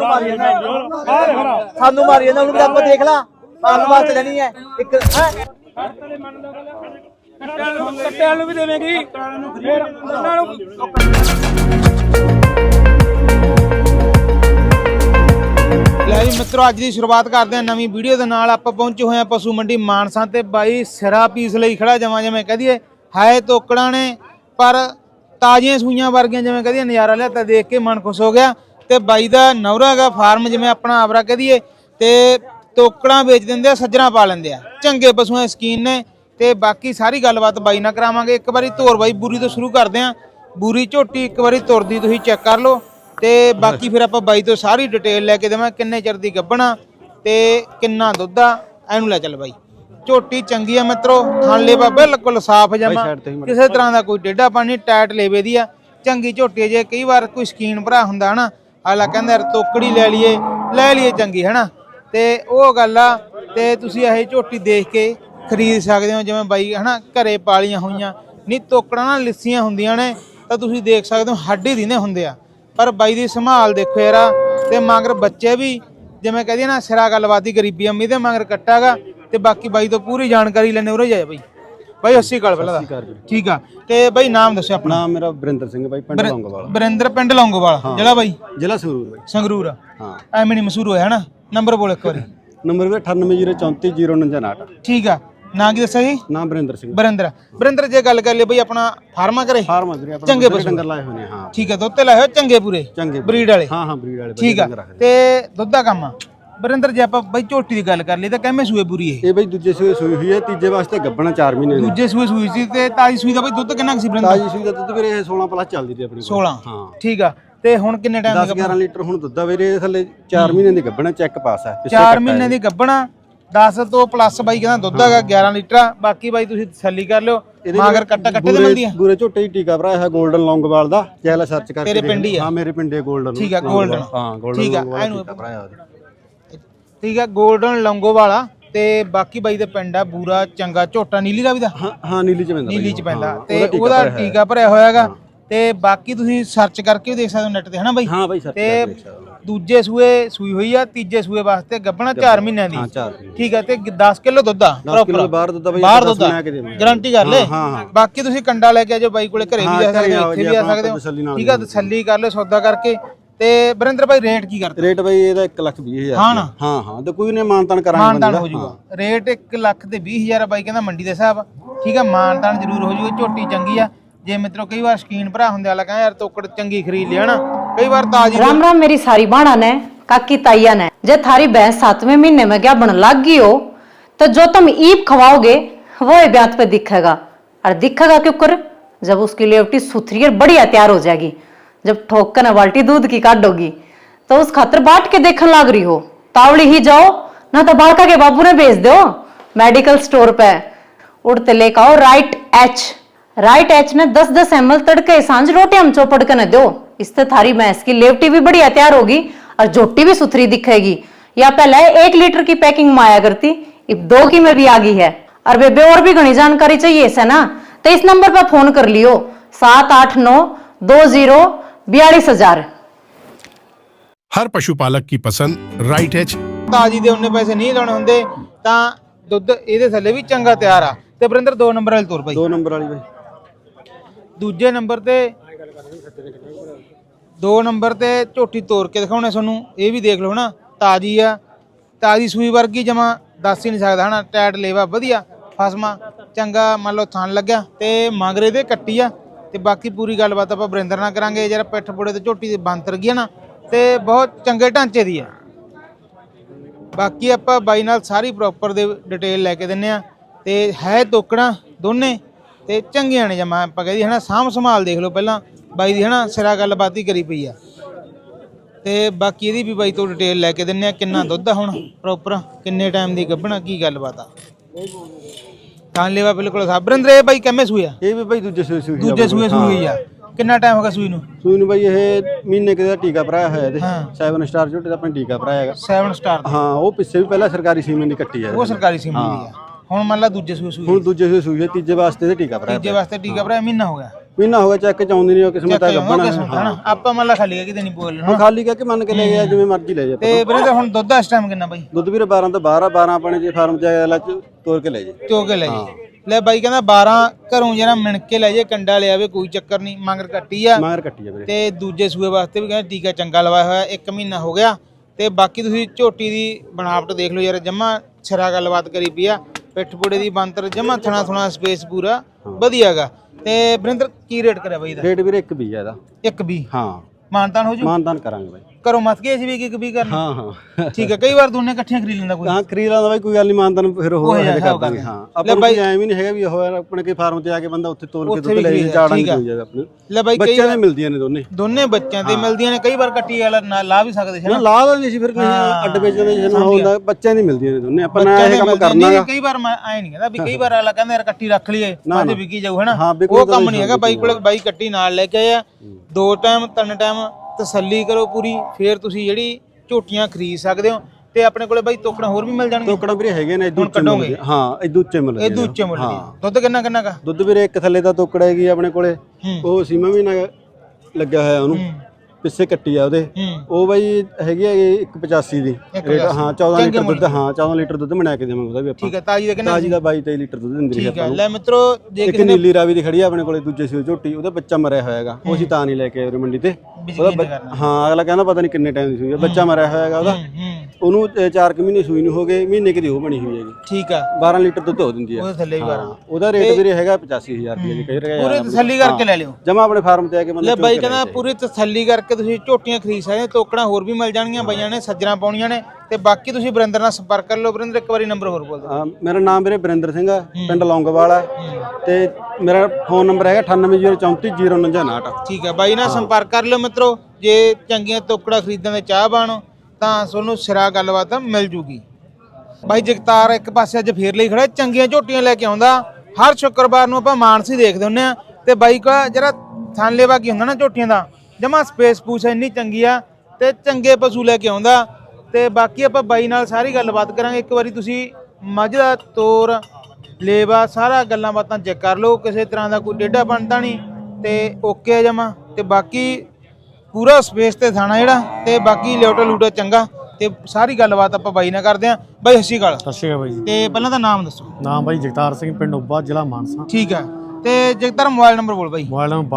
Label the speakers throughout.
Speaker 1: ਮਾਰੀ ਜਾਂਦਾ ਸਾਨੂੰ ਮਾਰੀ ਜਾਂਦਾ ਉਹਨੂੰ ਆਪਾਂ ਦੇਖ ਲਾ ਆਨ ਵਾਸਤੇ ਲੈਣੀ ਹੈ ਇੱਕ ਕੱਟਿਆਂ ਨੂੰ ਵੀ ਦੇਵੇਂਗੀ ਉਹਨਾਂ ਨੂੰ ਲੈ ਜੀ ਮਿੱਤਰੋ ਅੱਜ ਦੀ ਸ਼ੁਰੂਆਤ ਕਰਦੇ ਹਾਂ ਨਵੀਂ ਵੀਡੀਓ ਦੇ ਨਾਲ। ਆਪਾਂ ਪਹੁੰਚੇ ਹੋਏ ਹਾਂ ਪਸ਼ੂ ਮੰਡੀ ਮਾਨਸਾ ਤੇ ਬਾਈ ਸਿਰਾ ਪੀਸ ਲਈ ਖੜਾ ਜਮਾਂ ਜਿਵੇਂ ਕਹਦੀਏ ਹੈ ਤੋਕੜਾਂ ਨੇ ਪਰ ਤਾਜ਼ੀਆਂ ਸੂਈਆਂ ਵਰਗੀਆਂ ਜਿਵੇਂ ਕਹਦੀਏ ਨਜ਼ਾਰਾ ਲਿਆ ਤਾਂ ਦੇਖ ਕੇ ਮਨ ਖੁਸ਼ ਹੋ ਗਿਆ। ਤੇ ਬਾਈ ਦਾ ਨੌਰਾ ਹੈਗਾ ਫਾਰਮ ਜਿਵੇਂ ਆਪਣਾ ਆਵਰਾ ਕਹਦੀਏ ਤੇ ਤੋਕੜਾਂ ਵੇਚ ਦਿੰਦੇ ਆ ਸੱਜਣਾ ਪਾ ਲੈਂਦੇ ਆ ਚੰਗੇ ਪਸ਼ੂਆਂ ਦੇ ਸ਼ਕੀਨ ਨੇ। ਤੇ ਬਾਕੀ ਸਾਰੀ ਗੱਲਬਾਤ ਬਾਈ ਨਾਲ ਕਰਾਵਾਂਗੇ। ਇੱਕ ਵਾਰੀ ਧੋਰ ਬਾਈ ਬੂਰੀ ਤੋਂ ਸ਼ੁਰੂ ਕਰਦੇ ਆ। ਬੂਰੀ ਝੋਟੀ ਇੱਕ ਵਾਰੀ ਤੁਰਦੀ ਤੁਸੀਂ ਚੈੱਕ ਕਰ ਲਓ ਤੇ ਬਾਕੀ ਫਿਰ ਆਪਾਂ ਬਾਈ ਤੋਂ ਸਾਰੀ ਡਿਟੇਲ ਲੈ ਕੇ ਦੇਵਾਂ ਕਿੰਨੇ ਚਿਰ ਦੀ ਗੱਭਣਾ ਤੇ ਕਿੰਨਾ ਦੁੱਧ ਆ ਇਹਨੂੰ ਲੈ ਚੱਲ ਬਾਈ। ਝੋਟੀ ਚੰਗੀ ਆ ਮਿੱਤਰੋ ਥਣ ਲੇਵਾ ਬਿਲਕੁਲ ਸਾਫ਼ ਜਮਾ ਕਿਸੇ ਤਰ੍ਹਾਂ ਦਾ ਕੋਈ ਡੇਢਾ ਪਾਣੀ ਟਾਈਟ ਲੇਵੇ ਦੀ ਆ ਚੰਗੀ ਝੋਟੀ। ਜੇ ਕਈ ਵਾਰ ਕੋਈ ਸ਼ਕੀਨ ਭਰਾ ਹੁੰਦਾ ਹਨਾ ਆਲਾ ਕਹਿੰਦਾ ਯਾਰ ਤੋਕੜੀ ਲੈ ਲਈਏ ਚੰਗੀ ਹਨਾ ਤੇ ਉਹ ਗੱਲ ਆ। ਤੇ ਤੁਸੀਂ ਇਹ ਝੋਟੀ ਦੇਖ ਕੇ ਖਰੀਦ ਸਕਦੇ ਹੋ ਜਿਵੇਂ ਬਾਈ ਹਨਾ ਘਰੇ ਪਾਲੀਆਂ ਹੋਈਆਂ ਨਹੀਂ ਤੋਕੜਾਂ ਨਾਲ ਲਿੱਸੀਆਂ ਹੁੰਦੀਆਂ ਨੇ ਤਾਂ ਤੁਸੀਂ ਦੇਖ ਸਕਦੇ ਹੋ ਹੱਡੀ ਦੀਨੇ ਹੁੰਦੇ ਆ ਪਰ ਬਾਈ ਦੀ ਸੰਭਾਲ ਦੇਖੋ ਯਾਰ। ਤੇ ਮਗਰ ਬੱਚੇ ਵੀ ਜਿਵੇਂ ਕਹਦੀ ਨਾ ਸਿਰਾ ਗੱਲਬਾਤੀ ਗਰੀਬੀ ਅੰਮੀ ਦੇ ਮਗਰ ਕੱਟਾਗਾ। ਤੇ ਬਾਕੀ ਬਾਈ ਤੋਂ ਪੂਰੀ ਜਾਣਕਾਰੀ ਲੈਣੇ ਉਰੇ ਜਾਏ ਬਾਈ 80 ਕਾਲ ਪਹਿਲਾਂ ਦਾ ਠੀਕ ਆ। ਤੇ ਬਾਈ ਨਾਮ ਦੱਸਿਓ ਆਪਣਾ। ਨਾਮ ਮੇਰਾ ਵਰਿੰਦਰ ਸਿੰਘ ਬਾਈ ਪਿੰਡ ਲੌਂਗੋਵਾਲ। ਵਰਿੰਦਰ ਪਿੰਡ ਲੌਂਗੋਵਾਲ ਜ਼ਿਲ੍ਹਾ ਬਾਈ ਜ਼ਿਲ੍ਹਾ ਸੰਗਰੂਰ ਬਾਈ ਸੰਗਰੂਰ ਹਾਂ ਐਵੇਂ ਨਹੀਂ ਮਸ਼ਹੂਰ ਹੋਇਆ ਹਨਾ। ਨੰਬਰ ਬੋਲ ਇੱਕ ਵਾਰੀ। ਨੰਬਰ ਵੀ 98043049 ਠੀਕ ਆ। ਨਾਂ ਕੀ ਦੱਸਿਆ ਜੀ? ਨਾਮ ਵਰਿੰਦਰ ਸਿੰਘ। ਵਰਿੰਦਰ ਜੇ ਗੱਲ ਕਰ ਲਈ ਬਈ ਆਪਣਾ ਫਾਰਮਾ ਕਰੇ ਚੰਗੇ ਪਸ਼ੂ ਡੰਗਰ ਲਾਏ ਹੋਏ ਨੇ ਹਾਂ ਠੀਕ ਆ। ਦੁੱਧ ਤੇ ਲਾਏ ਹੋਏ ਚੰਗੇ ਪੂਰੇ ਬਰੀਡ ਵਾਲੇ ਹਾਂ ਬਰੀਡ ਵਾਲੇ ਠੀਕ ਆ। ਤੇ ਦੁੱਧ ਦਾ ਕੰਮ ਆ ਵਰਿੰਦਰ ਜੇ ਆਪਾਂ ਬਈ ਝੋਟੀ ਦੀ ਗੱਲ ਕਰ ਲਈ ਤਾਂ ਕਿੰਨੇ ਸੂਏ ਪੂਰੀ ਇਹ ਬਈ ਦੂਜੇ ਸੂਏ ਸੂਈ ਹੋਈ ਹੈ ਤੀਜੇ ਵਾਸਤੇ ਗੱਭਣਾ 4 ਮਹੀਨੇ ਦੀ ਦੂਜੇ ਸੂਏ ਸੂਈ ਸੀ। ਤੇ ਤਾਜੀ ਸੂਈ ਦਾ ਬਈ ਦੁੱਧ ਕਿੰਨਾ ਸੀ ਵਰਿੰਦਰ? ਤਾਜੀ ਸੂਈ ਦਾ ਦੁੱਧ ਵੀਰੇ 16 ਪਲੱਸ ਚੱਲਦੀ ਤੇ ਆਪਣੀ 16 ਹਾਂ ਠੀਕ ਆ। ਤੇ ਹੁਣ ਕਿੰਨੇ ਟਾਈਮ ਦਾ 11 ਲੀਟਰ ਹੁਣ ਦੁੱਧ ਆ ਵੀਰੇ ਥੱਲੇ 4 ਮਹੀਨੇ ਦੀ ਗੱਭਣਾ ਚੈੱਕ ਪਾਸ ਆ 4 ਮਹੀਨੇ ਦੀ ਗੱਭਣਾ 10 ਤੋਂ ਪਲੱਸ ਬਾਈ ਕਹਿੰਦਾ ਦੁੱਧ ਹੈਗਾ 11 ਲੀਟਰ। ਬਾਕੀ ਬਾਈ ਤੁਸੀਂ ਤਸੱਲੀ ਕਰ ਲਿਓ ਮਾਗਰ ਕੱਟੇ ਤੇ ਮਿਲਦੀ ਆ ਪੂਰੇ ਝੋਟੇ ਹੀ ਟੀਕਾ ਭਰਾ ਹੈ 골ਡਨ ਲੌਂਗੋਵਾਲ ਦਾ ਜੈਲਾ ਸਰਚ ਕਰਕੇ ਤੇਰੇ ਪਿੰਡ ਹੀ ਆ? ਹਾਂ ਮੇਰੇ ਪਿੰਡੇ 골ਡਨ ਠੀਕ ਆ 골ਡਨ ਹਾਂ 골ਡਨ ਠੀਕ ਆ ਇਹਨੂੰ ਠੀਕ ਆ 골ਡਨ ਲੌਂਗੋਵਾਲ ਆ। ਤੇ ਬਾਕੀ ਬਾਈ ਦੇ ਪਿੰਡ ਆ ਬੂਰਾ ਚੰਗਾ ਝੋਟਾ ਨੀਲੀ ਦਾ ਵੀ ਦਾ ਹਾਂ ਨੀਲੀ ਚ ਪੈਂਦਾ ਤੇ ਉਹਦਾ ਟੀਕਾ ਭਰਿਆ ਹੋਇਆ ਹੈਗਾ। ਤੇ ਬਾਕੀ ਤੁਸੀਂ ਸਰਚ ਕਰਕੇ ਵੀ ਦੇਖ ਸਕਦੇ ਹੋ ਨੈਟ ਤੇ ਹਨਾ ਬਾਈ ਹਾਂ ਬਾਈ ਤੇ ਦੂਜੇ ਸੂਏ ਸੂਈ ਹੋਈ ਆ ਤੀਜੇ ਸੂਏ ਵਾਸਤੇ ਗੱਭਣਾ 4 ਮਹੀਨਿਆਂ ਦੀ ਠੀਕ ਆ। ਤੇ 10 ਕਿਲੋ ਦੁੱਧ ਆ ਪ੍ਰੋਪਰ ਬਾਹਰ ਦੁੱਧ ਗਾਰੰਟੀ ਕਰ ਲੈ। ਬਾਕੀ ਤੁਸੀਂ ਕੰਡਾ ਲੈ ਕੇ ਆਜੋ ਬਾਈ ਕੋਲੇ ਘਰੇ ਵੀ ਜਾ ਸਕਦੇ ਹੋ ਇੱਥੇ ਵੀ ਆ ਸਕਦੇ ਹੋ ਠੀਕ ਆ। ਤਸੱਲੀ ਕਰ ਲੈ ਸੌਦਾ ਕਰਕੇ। ਤੇ ਵਰਿੰਦਰ ਭਾਈ ਰੇਟ ਕੀ ਕਰਦੇ? ਰੇਟ ਬਾਈ ਇਹਦਾ 1,20,000 ਹਾਂ ਤੇ ਕੋਈ ਨਹੀਂ ਮਾਨਤਾਨ ਕਰਾਂਗੇ ਮਾਨਤਾਨ ਹੋ ਜਾਊਗਾ। ਰੇਟ 1,20,000 ਬਾਈ ਕਹਿੰਦਾ ਮੰਡੀ ਦੇ ਹਿਸਾਬ ਠੀਕ ਆ। ਮਾਨਤਾਨ ਜ਼ਰੂਰ ਹੋ ਜਾਊਗਾ। ਝੋਟੀ ਚੰਗੀ ਆ। ਜੇ मित्रों कई बार शकीन भरा होंगे वाला कहा यार तोकड़ चंगी खरीद लिया ना कई बार ताजी
Speaker 2: राम राम मेरी सारी बाणा ने काकी ताइया ने जे थारी भैंस 7वें महीने में क्या बन लग गई हो तो जो तुम ईप खवाओगे वो ब्यात पे दिखेगा। और दिखेगा क्यों कर जब उसकी लेवटी सुथरी और बढ़िया तैयार हो जाएगी। जब ठोक कर बाल्टी दूध की काटोगी तो उस खातर बाट के देखने लग रही हो तावड़ी ही जाओ ना तो बालका के बाबू ने भेज दो मेडिकल स्टोर पे उड़ते लेकर आओ राइट एच ने 10-10 ml तड़के सांझ रोटी हम चौपड़ के न दो। इससे थारी भैंस की लेवटी भी बढ़िया तैयार होगी और झोटी भी सुथरी दिखेगी। या पहले 1 लीटर की पैकिंग में आया करती अब 2 की में भी आ गई है। और बेबे और भी घनी जानकारी चाहिए इसे ना तो इस नंबर पर फोन कर लियो 7892042
Speaker 3: हर पशुपालक की पसंद राइट एच।
Speaker 1: ताजी दे उन्ने पैसे नहीं लाने होंगे तां दुध ਇਹਦੇ ਥੱਲੇ ਵੀ ਚੰਗਾ ਤਿਆਰ ਆ। ਤੇ ਵਰਿੰਦਰ 2 ਨੰਬਰ ਵਾਲੀ ਤੋਰ ਬਾਈ 2 ਨੰਬਰ ਵਾਲੀ ਬਾਈ ਦੂਜੇ ਨੰਬਰ ਤੇ 2 ਨੰਬਰ ਤੇ ਝੋਟੀ ਤੋੜ ਕੇ ਦਿਖਾਉਣੇ ਤੁਹਾਨੂੰ ਇਹ ਵੀ ਦੇਖ ਲਓ ਹਨਾ ਤਾਜੀ ਆ ਤਾਜੀ ਸੂਈ ਵਰਗੀ ਜਮਾ ਦੱਸ ਹੀ ਨਹੀਂ ਸਕਦਾ ਹਨਾ। ਟੈਟ ਲੇਵਾ ਵਧੀਆ ਫਸਮਾ ਚੰਗਾ ਮੰਨ ਲਓ ਥਣ ਲੱਗਿਆ ਤੇ ਮਗਰੇ ਦੇ ਕੱਟੀ ਆ। ਤੇ ਬਾਕੀ ਪੂਰੀ ਗੱਲਬਾਤ ਆਪਾਂ ਵਰਿੰਦਰ ਨਾਲ ਕਰਾਂਗੇ। ਜਿਹੜਾ ਪਿੱਠ ਪੁੜੇ ਤੇ ਝੋਟੀ ਦੇ ਬੰਤਰ ਗਈ ਨਾ ਤੇ ਬਹੁਤ ਚੰਗੇ ਢਾਂਚੇ ਦੀ ਆ। ਬਾਕੀ ਆਪਾਂ ਬਾਈ ਨਾਲ ਸਾਰੀ ਪ੍ਰੋਪਰ ਦੇ ਡਿਟੇਲ ਲੈ ਕੇ ਦਿੰਨੇ ਆ। ਤੇ ਹੈ ਤੋਕੜਾਂ ਦੋਨੇ ਤੇ ਚੰਗੀਆਂ ਨੇ ਜਮਾ ਆਪਾਂ ਕਹਦੀ ਹਨਾ। ਸਾਂਭ ਸੰਭਾਲ ਦੇਖ ਲਓ ਪਹਿਲਾਂ ਬਾਈ ਦੀ ਹਨਾ ਸਿਰਾ ਗੱਲਬਾਤ ਹੀ ਕਰੀ ਪਈ ਆ। ਤੇ ਬਾਕੀ ਇਹਦੀ ਵੀ ਬਾਈ ਤੋਂ ਡਿਟੇਲ ਲੈ ਕੇ ਦਿੰਨੇ ਆ ਕਿੰਨਾ ਦੁੱਧ ਆ ਹੁਣ ਪ੍ਰੋਪਰ ਕਿੰਨੇ ਟਾਈਮ ਦੀ ਗੱਭਣਾ ਕੀ ਗੱਲਬਾਤ ਆ। ਤਾਂ ਲੈਵਾ ਬਿਲਕੁਲ ਸਾਬਰਿੰਦਰ ਇਹ ਬਾਈ ਕਿੰਨੇ ਸੂਏ ਆ? ਇਹ ਵੀ ਬਾਈ ਦੂਜੇ ਸੂਏ ਸੂਈ ਆ। ਕਿੰਨਾ ਟਾਈਮ ਹੋ ਗਿਆ ਸੂਈ ਨੂੰ ਬਾਈ? ਇਹ ਮਹੀਨੇ ਦਾ ਟੀਕਾ ਭਰਾਇਆ ਹੋਇਆ ਤੇ 7 ਸਟਾਰ ਝੋਟੇ ਦਾ ਆਪਣਾ ਟੀਕਾ ਭਰਾਇਆ ਹੈਗਾ 7 ਸਟਾਰ ਹਾਂ। ਉਹ ਪਿੱਛੇ ਵੀ ਪਹਿਲਾਂ ਸਰਕਾਰੀ ਸੀਮਨ ਦੀ ਕੱਟੀ ਆ ਉਹ ਸਰਕਾਰੀ ਸੀਮਨ ਦੀ ਆ ਹੁਣ ਮੰਨ ਲਾ ਦੂਜੇ ਸੂਏ
Speaker 4: ਹੁਣ ਦੂਜੇ ਸੂਏ ਸੂਈ ਹੈ, ਤੀਜੇ ਵਾਸਤੇ ਤੇ ਟੀਕਾ ਭਰਾਇਆ
Speaker 1: ਤੀਜੇ ਵਾਸਤੇ ਟੀਕਾ ਭਰਾਇਆ, ਮਹੀਨਾ ਹੋ ਗਿਆ।
Speaker 4: ਮਹੀਨਾ ਹੋ ਗਿਆ ਚੈੱਕ ਚ ਆਉਂਦੀ ਨਹੀਂ, ਉਹ ਕਿਸਮਤ ਹੈ ਗੱਬਣਾ
Speaker 1: ਹਨਾ ਆਪਾਂ ਮੰਨ ਲਾ ਖਾਲੀ ਕਿਤੇ ਨਹੀਂ ਬੋਲਣਾ
Speaker 4: ਹੁਣ ਖਾਲੀ ਕਹਿ ਕੇ ਮੰਨ ਕੇ ਲੈ ਗਿਆ, ਜਿਵੇਂ ਮਰਜ਼ੀ ਲੈ ਜਾ।
Speaker 1: ਤੇ ਵੀਰੇ ਤਾਂ ਹੁਣ ਦੁੱਧ ਇਸ ਟਾਈਮ ਕਿੰਨਾ ਬਾਈ?
Speaker 4: ਦੁੱਧ ਵੀਰੇ 12 ਤੋਂ 12 ਆਪਣੇ ਜੇ ਫਾਰਮ ਚ ਆਇਆ ਚ ਤੋੜ ਕੇ ਲੈ ਜੇ,
Speaker 1: ਚੋ ਕੇ ਲੈ ਜੇ। ਲੈ ਬਾਈ ਕਹਿੰਦਾ 12 ਘਰੋਂ ਜਿਹੜਾ ਮਿਣ ਕੇ ਲੈ ਜੇ, ਕੰਡਾ ਲਿਆਵੇ ਕੋਈ ਚੱਕਰ ਨਹੀਂ, ਮਗਰ ਕੱਟੀ ਆ
Speaker 4: ਮਾਰ ਕੱਟੀ ਆ ਵੀਰੇ।
Speaker 1: ਤੇ ਦੂਜੇ ਸੂਏ ਵਾਸਤੇ ਵੀ ਕਹਿੰਦਾ ਟੀਕਾ ਚੰਗਾ ਲਵਾਇਆ ਹੋਇਆ, 1 ਮਹੀਨਾ ਹੋ ਗਿਆ। ਤੇ ਬਾਕੀ ਤੁਸੀਂ ਝੋਟੀ ਦੀ ਬਣਾਵਟ ਦੇਖ ਲਓ ਯਾਰ, ਜਮਾ ਛਰਾ ਗੱਲਬਾਤ ਕਰੀ ਪਈ ਆ, ਪਿੱਠ ਪੁੜੇ ਦੀ ਬੰਤਰ ਜਮਾ ਥਣਾ ਥਣਾ ਸਪੇਸ ਪੂਰਾ ਵਧੀਆਗਾ। ਤੇ ਵਰਿੰਦਰ ਕੀ ਰੇਟ ਕਰਿਆ ਬਾਈ ਦਾ?
Speaker 4: ਰੇਟ ਵੀਰੇ 1 ਵੀ ਆ ਇਹਦਾ।
Speaker 1: 1
Speaker 4: ਹਾਂ
Speaker 1: ਮਾਨਤਾਨ ਹੋ ਜੂ?
Speaker 4: ਮਾਨਤਾਨ ਕਰਾਂਗੇ ਬਾਈ।
Speaker 1: ਕਰੋ ਮਤ ਕੇ ਸੀ ਵੀ 1 ਕਰਨਾ।
Speaker 4: ਹਾਂ ਹਾਂ
Speaker 1: ਠੀਕ ਹੈ, ਕਈ ਵਾਰ ਦੋਨੇ ਇਕੱਠੀਆਂ ਖਰੀਦ ਲੈਂਦਾ ਕੋਈ।
Speaker 4: ਹਾਂ ਖਰੀਦ ਲਾਂਦਾ ਬਾਈ, ਕੋਈ ਗੱਲ ਨਹੀਂ, ਮਾਨਤਾਨ ਫਿਰ ਉਹ ਹੈਗਾ ਕਰ ਦਾਂਗੇ। ਹਾਂ ਆਪਾਂ ਨੂੰ ਐਵੇਂ ਨਹੀਂ ਹੈਗਾ ਵੀ ਉਹ ਆਪਣੇ ਕੇ ਫਾਰਮ ਤੇ ਆ ਕੇ ਬੰਦਾ ਉੱਥੇ ਤੋਲ ਕੇ ਦੁੱਧ ਲੈ ਕੇ ਚਾੜਾਂ ਨਹੀਂ ਹੋ ਜਾਏਗਾ ਆਪਣੇ।
Speaker 1: ਲੈ ਬਾਈ
Speaker 4: ਬੱਚਿਆਂ ਦੇ ਮਿਲਦੀਆਂ ਨੇ ਦੋਨੇ
Speaker 1: ਬੱਚਿਆਂ ਤੇ ਮਿਲਦੀਆਂ ਨੇ, ਕਈ ਵਾਰ ਕੱਟੀ ਵਾਲਾ ਨਾ ਲਾ ਵੀ ਸਕਦੇ ਸੀ ਨਾ,
Speaker 4: ਲਾ ਦਿੰਦੇ ਸੀ ਫਿਰ ਕਿਸੇ ਅੱਡ ਵੇਚਣ ਦੇ ਜਿਹਨਾਂ ਹੁੰਦਾ, ਬੱਚਿਆਂ ਦੀ ਮਿਲਦੀਆਂ ਨੇ ਦੋਨੇ। ਆਪਾਂ ਨਾ ਇਹ ਕੰਮ ਕਰਨਾ।
Speaker 1: ਕਈ ਵਾਰ ਮੈਂ ਐ ਨਹੀਂ ਕਹਿੰਦਾ ਵੀ ਕਈ ਵਾਰ ਅਗਲਾ ਕਹਿੰਦਾ ਯਾਰ ਕੱਟੀ ਰੱਖ ਲਈਏ ਅੱਜ ਵਿਕੀ ਜਾਊ ਹਨਾ, ਉਹ ਕੰਮ ਨਹੀਂ ਹੈਗਾ। ਬਾਈ ਕੋਲ ਬਾਈ ਕੱਟੀ ਨਾਲ ਲੈ ਕੇ ਆਇਆ, 2 ਟਾਈਮ 3 ਟਾਈਮ ਤਸੱਲੀ ਕਰੋ ਪੂਰੀ, ਫੇਰ ਤੁਸੀਂ ਜਿਹੜੀ ਝੋਟੀਆਂ ਖਰੀਦ ਸਕਦੇ ਹੋ। ਤੇ ਆਪਣੇ ਕੋਲੇ ਬਾਈ ਤੋਕੜਾਂ ਹੋਰ ਵੀ ਮਿਲ ਜਾਣਗੀਆਂ?
Speaker 4: ਤੋਕੜਾਂ ਵੀਰੇ ਹੈਗੇ ਨੇ, ਇਦੋਂ ਉੱਚੇ ਮਿਲਦੇ। ਹਾਂ ਇਦੋਂ ਉੱਚੇ ਮਿਲਦੇ।
Speaker 1: ਇਦੋਂ ਉੱਚੇ ਮਿਲਦੇ। ਦੁੱਧ ਕਿੰਨਾ ਕਾ?
Speaker 4: ਦੁੱਧ ਵੀਰੇ ਇੱਕ ਥੱਲੇ ਦਾ ਤੋਕੜਾ ਹੈਗੀ ਆਪਣੇ ਕੋਲੇ, ਉਹ ਸੀਮਾ ਮਹੀਨਾ ਲੱਗਿਆ ਹੋਇਆ ਉਹਨੂੰ, ਪਿੱਛੇ ਕੱਟੀ ਆ ਉਹਦੇ। ਉਹ ਬਾਈ ਹੈਗੀ ਹੈ 185 ਦੀ ਰੇਟ। ਹਾਂ 14 ਲੀਟਰ ਦੁੱਧ। ਹਾਂ 14 ਲੀਟਰ ਦੁੱਧ ਬਣਾ ਕੇ ਦੇਵਾਂਗੇ ਉਹਦਾ ਵੀ ਆਪਾਂ।
Speaker 1: ਠੀਕ ਹੈ, ਤਾਜੀ ਦਾ ਕਿੰਨਾ?
Speaker 4: ਤਾਜੀ ਦਾ 22-23 ਲੀਟਰ ਦੁੱਧ ਦਿੰਦੀ ਹੈ
Speaker 1: ਆਪਾਂ ਨੂੰ। ਲੈ ਮਿੱਤਰੋ, ਜੇ
Speaker 4: ਇੱਕ ਨੀਲੀ ਰਾਵੀ ਦੀ ਖੜੀ ਆ ਆਪਣੇ ਕੋਲੇ, ਦੂਜੇ ਸੂਏ ਝੋਟੀ, ਉਹਦਾ ਬੱਚਾ ਮਰਿਆ ਹੋਇਆ ਹੈਗਾ, ਉਹ ਅਸੀਂ ਤਾਂ ਨਹੀਂ ਲੈ ਕੇ ਆਏ ਮੰਡੀ ਤੇ। ਹਾਂ ਅਗਲਾ ਕਹਿੰਦਾ ਪਤਾ ਨਹੀਂ ਕਿੰਨੇ ਟਾਈਮ ਦੀ ਸੂਈ ਆ, ਬੱਚਾ ਮਰਿਆ ਹੋਇਆ ਹੈਗਾ ਉਹਦਾ। ਉਹਨੂੰ 4 ਮਹੀਨੇ ਸੂਈ ਨੂੰ ਹੋ ਗਏ, ਮਹੀਨੇ ਕਿ ਦੀ ਉਹ ਬਣੀ ਹੋਈ ਹੈਗੀ।
Speaker 1: ਠੀਕ ਆ,
Speaker 4: 12 ਲੀਟਰ ਦੁੱਧ ਹੋ ਦਿੰਦੀ ਆ।
Speaker 1: ਉਹਦੇ ਥੱਲੇ ਵੀ 12।
Speaker 4: ਉਹਦਾ ਰੇਟ ਵੀਰੇ ਹੈਗਾ 85000 ਰੁਪਏ ਦੀ। ਕਹੀ ਰਿਹਾ
Speaker 1: ਪੂਰੇ ਤਸੱਲੀ ਕਰਕੇ ਲੈ ਲਿਓ
Speaker 4: ਜਮਾ ਆਪਣੇ ਫਾਰਮ ਤੇ ਆ ਕੇ।
Speaker 1: ਲੈ ਬਾਈ ਕਹਿੰਦਾ ਪੂਰੀ ਤਸੱਲੀ ਕਰਕੇ ਤੁਸੀਂ ਝੋਟੀਆਂ ਖਰੀਦ ਸਕਦੇ ਹੋ। ਤੋਕੜਾਂ ਹੋਰ ਵੀ ਮਿਲ ਜਾਣਗੀਆਂ ਬਾਈਆਂ ਨੇ, ਸੱਜਣਾ ਪਾਉਣੀਆਂ ਨੇ। ਤੇ ਬਾਕੀ ਤੁਸੀਂ ਵਰਿੰਦਰ ਨਾਲ ਸੰਪਰਕ ਕਰ ਲਓ। ਵਰਿੰਦਰ ਇੱਕ ਵਾਰੀ ਨੰਬਰ ਹੋਰ ਬੋਲ ਦਿਓ।
Speaker 4: ਮੇਰਾ ਨਾਮ ਵੀਰੇ ਵਰਿੰਦਰ ਸਿੰਘ ਆ, ਪਿੰਡ ਲੌਂਗੋਵਾਲ ਆ, ਤੇ ਮੇਰਾ ਫੋਨ ਨੰਬਰ ਹੈਗਾ 9804404959।
Speaker 1: ਠੀਕ ਹੈ, ਬਾਈ ਨਾਲ ਸੰਪਰਕ ਕਰ ਲਿਓ ਮਿੱਤਰੋ। ਜੇ ਚੰਗੀਆਂ ਤੋਕੜਾਂ ਖਰੀਦਣ ਦੇ ਚਾਹ ਬਾਣੋ ਤਾਂ ਤੁਹਾਨੂੰ ਸਿਰਾ ਗੱਲਬਾਤ ਮਿਲ ਜੂਗੀ। ਬਾਈ ਜਗਤਾਰ ਇੱਕ ਪਾਸੇ ਅੱਜ ਫੇਰ ਲਈ ਖੜਾ, ਚੰਗੀਆਂ ਝੋਟੀਆਂ ਲੈ ਕੇ ਆਉਂਦਾ। ਹਰ ਸ਼ੁੱਕਰਵਾਰ ਨੂੰ ਆਪਾਂ ਮਾਨਸੀ ਦੇਖਦੇ ਹੁੰਦੇ ਆ। ਤੇ ਬਾਈ ਕਾ ਜਿਹੜਾ ਥਾਨਲੇਵਾ ਕੀ ਹੁੰਦਾ ਨਾ ਝੋਟੀਆਂ ਦਾ, ਜਮਾ ਸਪੇਸ ਪੂਸ ਇੰਨੀ ਚੰਗੀ ਆ ਤੇ ਚੰਗੇ ਪਸ਼ੂ ਲੈ ਕੇ ਆਉਂਦਾ। ਤੇ ਬਾਕੀ ਆਪਾਂ ਬਾਈ ਨਾਲ ਸਾਰੀ ਗੱਲਬਾਤ ਕਰਾਂਗੇ। ਇੱਕ ਵਾਰੀ ਤੁਸੀਂ ਮੱਝ ਦਾ ਤੋਰ ਲੇਵਾ ਸਾਰਾ ਗੱਲਾਂ ਬਾਤਾਂ ਚੈੱਕ ਕਰ ਲਓ, ਕਿਸੇ ਤਰ੍ਹਾਂ ਦਾ ਕੋਈ ਡੇਢਾ ਬਣਦਾ ਨਹੀਂ ਤੇ ਓਕੇ ਆ ਜਮਾ। ਤੇ ਬਾਕੀ ਪੂਰਾ ਸਪੇਸ ਤੇ ਥਾਣਾ ਜਿਹੜਾ, ਤੇ ਬਾਕੀ ਲਿਓਟਾ ਲੂਟਾ ਚੰਗਾ। ਤੇ ਸਾਰੀ ਗੱਲਬਾਤ ਆਪਾਂ ਬਾਈ ਨਾਲ ਕਰਦੇ ਆਂ। ਬਾਈ ਸਤਿ ਸ਼੍ਰੀ ਅਕਾਲ।
Speaker 5: ਸਤਿ ਸ਼੍ਰੀ ਅਕਾਲ ਬਾਈ ਜੀ।
Speaker 1: ਤੇ ਪਹਿਲਾਂ ਤਾਂ ਨਾਮ ਦੱਸੋ।
Speaker 5: ਨਾਮ ਬਾਈ ਜਗਤਾਰ ਸਿੰਘ, ਪਿੰਡ ਉੱਬਾ, ਜ਼ਿਲ੍ਹਾ ਮਾਨਸਾ।
Speaker 1: ਠੀਕ ਆ, ਤੇ ਜਗਤਾਰ ਮੋਬਾਈਲ ਨੰਬਰ ਬੋਲ ਬਾਈ।
Speaker 5: Mobile number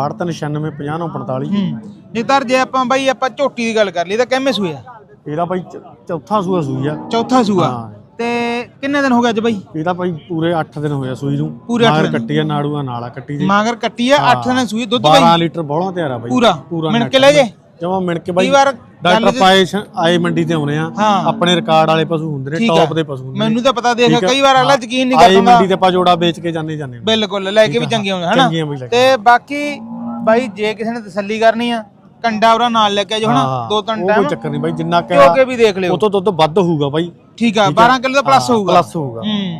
Speaker 5: 6296950945।
Speaker 1: ਜਗਤਾਰ ਜੇ ਆਪਾਂ ਝੋਟੀ ਦੀ ਗੱਲ ਕਰ ਲਈ ਤਾਂ ਕਿੰਨੇ ਸੂਏ ਆ?
Speaker 5: ਇਹਦਾ ਬਾਈ ਚੌਥਾ ਸੂਆ ਸੂਈ ਆ।
Speaker 1: ਚੌਥਾ ਸੂਆ।
Speaker 5: ਹਾਂ।
Speaker 1: ਤੇ ਕਿੰਨੇ ਦਿਨ ਹੋ ਗਏ ਅੱਜ ਬਾਈ?
Speaker 5: ਇਹਦਾ ਬਾਈ ਪੂਰੇ 8 ਦਿਨ ਹੋਇਆ ਸੂਈ ਨੂੰ।
Speaker 1: ਪੂਰੇ 8 ਦਿਨ
Speaker 5: ਕੱਟੀ ਆ, ਨਾੜੂਆ ਨਾਲਾ ਕੱਟੀ ਦੀ।
Speaker 1: ਮਾਗਰ ਕੱਟੀ ਆ, 8 ਦਿਨ ਸੂਈ। ਦੁੱਧ ਬਾਈ
Speaker 5: 12 ਲੀਟਰ ਬੋਲਾ ਤਿਆਰ ਆ ਬਾਈ।
Speaker 1: ਪੂਰਾ ਮਿਣ ਕੇ ਲੈ ਜੇ।
Speaker 5: ਜਮਾ ਮਿਣ ਕੇ ਬਾਈ।
Speaker 1: ਕਈ ਵਾਰ
Speaker 5: ਡਾਕਟਰ ਪਾਏ ਆਏ ਮੰਡੀ ਤੇ ਆਉਣੇ ਆ, ਆਪਣੇ ਰਿਕਾਰਡ ਵਾਲੇ ਪਸ਼ੂ ਹੁੰਦੇ ਨੇ, ਟੌਪ ਦੇ ਪਸ਼ੂ ਹੁੰਦੇ ਨੇ।
Speaker 1: ਮੈਨੂੰ ਤਾਂ ਪਤਾ ਦੇਖ, ਕਈ ਵਾਰ ਅਗਲਾ ਯਕੀਨ ਨਹੀਂ
Speaker 5: ਆਏ
Speaker 1: ਕਰਦਾ।
Speaker 5: ਮੰਡੀ ਤੇ ਆਪਾਂ ਜੋੜਾ ਵੇਚ ਕੇ ਜਾਂਦੇ
Speaker 1: ਬਿਲਕੁਲ, ਲੈ ਕੇ ਵੀ ਚੰਗੇ ਹੁੰਦੇ ਹਨਾ। ਤੇ ਬਾਕੀ ਬਾਈ ਜੇ ਕਿਸੇ ਨੇ ਤਸੱਲੀ ਕਰਨੀ ਆ, ਕੰਡਾ ਉਹਦਾ ਨਾਲ ਲੈ ਕੇ ਆਜੋ ਹਨਾ, 2-3 ਟਾਈਮ।
Speaker 5: ਕੋਈ ਚੱਕਰ ਨਹੀਂ ਬਾਈ, ਜਿੰਨਾ
Speaker 1: ਕਿ ਵੀ ਦੇਖ ਲਿਓ।
Speaker 5: ਉਹ ਤੋਂ ਦੁੱਧ ਵੱਧ ਹੋਊਗਾ ਬਾਈ।
Speaker 1: ਠੀਕ ਆ, 12 ਕਿਲੋ ਦਾ ਪਲੱਸ ਹੋਊਗਾ।
Speaker 5: ਪਲੱਸ ਹੋਊਗਾ।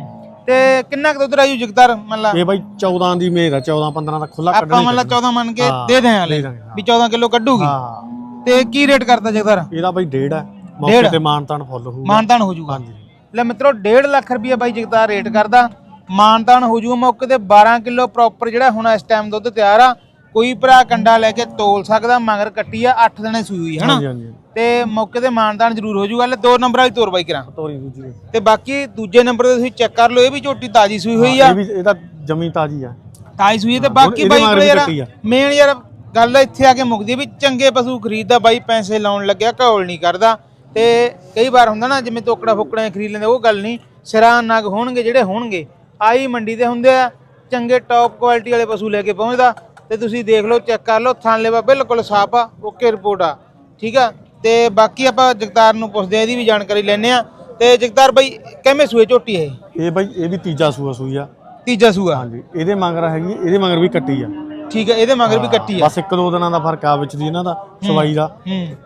Speaker 1: ਤੇ ਕਿੰਨਾ ਕੁ ਦੁੱਧ ਰਾਜੂ ਜਗਤਾਰ ਮੰਨ ਲਾ?
Speaker 5: ਇਹ ਬਾਈ 14 ਦੀ ਮੇਰ ਆ, 14-15 ਦਾ ਖੁੱਲਾ ਕੱਢਣਾ।
Speaker 1: ਆਪਾਂ ਮੰਨ ਲਾ 14 ਮੰਨ ਕੇ ਦੇ ਦੇ ਆਲੇ ਵੀ 14 ਕਿਲੋ ਕੱਢੂਗੀ। ਤੇ ਕੀ ਰੇਟ ਕਰਦਾ ਜਗਤਾਰ?
Speaker 5: ਇਹਦਾ ਬਾਈ 1.5 ਹੈ, ਮੌਕੇ ਤੇ ਮਾਨਤਾਨ ਫੁੱਲ ਹੋਊਗਾ।
Speaker 1: ਮਾਨਤਾਨ ਹੋ ਜਾਊਗਾ। ਲੈ ਮਿੱਤਰੋ 1.5 ਲੱਖ ਰੁਪਏ ਬਾਈ ਜਗਤਾਰ ਰੇਟ ਕਰਦਾ, ਮਾਨਤਾਨ ਹੋ ਜਾਊਗਾ ਮੌਕੇ ਤੇ। 12 ਕਿਲੋ ਪ੍ਰੋਪਰ ਜਿਹੜਾ ਹੁਣ ਇਸ ਟਾਈਮ ਦੁੱਧ ਤਿਆਰ ਆ। ਕੋਈ ਭਰਾ ਕੰਡਾ ਲੈ ਕੇ ਤੋਲ ਸਕਦਾ। ਮਗਰ ਕੱਟੀ ਆ, 8 ਦਿਨੇ ਸੂਈ ਹੋਈ ਹਨਾ। ਤੇ ਮੌਕੇ ਤੇ ਮਾਨਤਾਨ ਜ਼ਰੂਰ ਹੋ ਜਾਊਗਾ। ਲੈ 2 ਨੰਬਰ ਵਾਲੀ ਤੋਰ ਬਾਈ ਕਰਾਂ।
Speaker 5: ਤੋਰੀ ਦੂਜੀ
Speaker 1: ਤੇ ਬਾਕੀ ਦੂਜੇ ਨੰਬਰ ਤੇ ਤੁਸੀਂ ਚੈੱਕ ਕਰ ਲਓ, ਇਹ ਵੀ ਝੋਟੀ ਤਾਜੀ ਸੂਈ ਹੋਈ ਆ।
Speaker 5: ਇਹ ਵੀ ਇਹਦਾ ਜਮੀ ਤਾਜੀ ਆ,
Speaker 1: ਤਾਜੀ ਸੂਈ। ਤੇ ਬਾਕੀ ਬਾਈ ਕੋਲੇ ਯਾਰ ਮੇਨ ਯਾਰ ਗੱਲ ਇੱਥੇ ਆ ਕੇ ਮੁੱਕਦੀ ਵੀ ਚੰਗੇ ਪਸ਼ੂ ਖਰੀਦਦਾ ਬਾਈ, ਪੈਸੇ ਲਾਉਣ ਲੱਗਿਆ ਘੋਲ ਨਹੀਂ ਕਰਦਾ। ਤੇ ਕਈ ਵਾਰ ਹੁੰਦਾ ਨਾ ਜਿਵੇਂ ਤੋਕੜਾ ਫੁਕੜਾ ਖਰੀਦ ਲੈਂਦੇ, ਉਹ ਗੱਲ ਨਹੀਂ। ਸਿਰਾਂ ਨਗ ਹੋਣਗੇ ਜਿਹੜੇ ਹੋਣਗੇ, ਆਈ ਮੰਡੀ ਤੇ ਹੁੰਦੇ ਆ। ਚੰਗੇ ਟੌਪ ਕੁਆਲਿਟੀ ਵਾਲੇ ਪਸ਼ੂ ਲੈ ਕੇ ਪਹੁੰਚਦਾ। ਤੇ ਤੁਸੀਂ ਦੇਖ ਲਓ, ਚੈੱਕ ਕਰ ਲਓ, ਥਣ ਲੇਵਾ ਬਿਲਕੁਲ ਸਾਫ ਆ, ਓਕੇ ਰਿਪੋਰਟ ਆ। ਠੀਕ ਆ। ਤੇ ਬਾਕੀ ਆਪਾਂ ਜਗਤਾਰ ਨੂੰ ਪੁੱਛਦੇ ਆ, ਇਹਦੀ ਵੀ ਜਾਣਕਾਰੀ ਲੈਣੇ ਆ। ਤੇ ਜਗਤਾਰ ਬਾਈ ਕਿਵੇਂ ਸੂਏ ਝੋਟੀ ਇਹ
Speaker 5: ਬਾਈ? ਇਹ ਵੀ ਤੀਜਾ ਸੂਆ ਸੂਈ ਆ।
Speaker 1: ਤੀਜਾ ਸੂਆ।
Speaker 5: ਹਾਂਜੀ। ਇਹਦੇ ਮਗਰ ਹੈਗੀ, ਇਹਦੇ ਮਗਰ ਵੀ ਕੱਟੀ ਆ।
Speaker 1: ਠੀਕ ਹੈ, ਇਹਦੇ ਮਗਰ ਵੀ ਕੱਟੀ ਆ।
Speaker 5: ਬਸ 1-2 ਦਿਨਾਂ ਦਾ ਫਰਕ ਆ ਵਿੱਚ ਦੀ ਇਹਨਾਂ ਦਾ ਸਵਾਈ ਦਾ।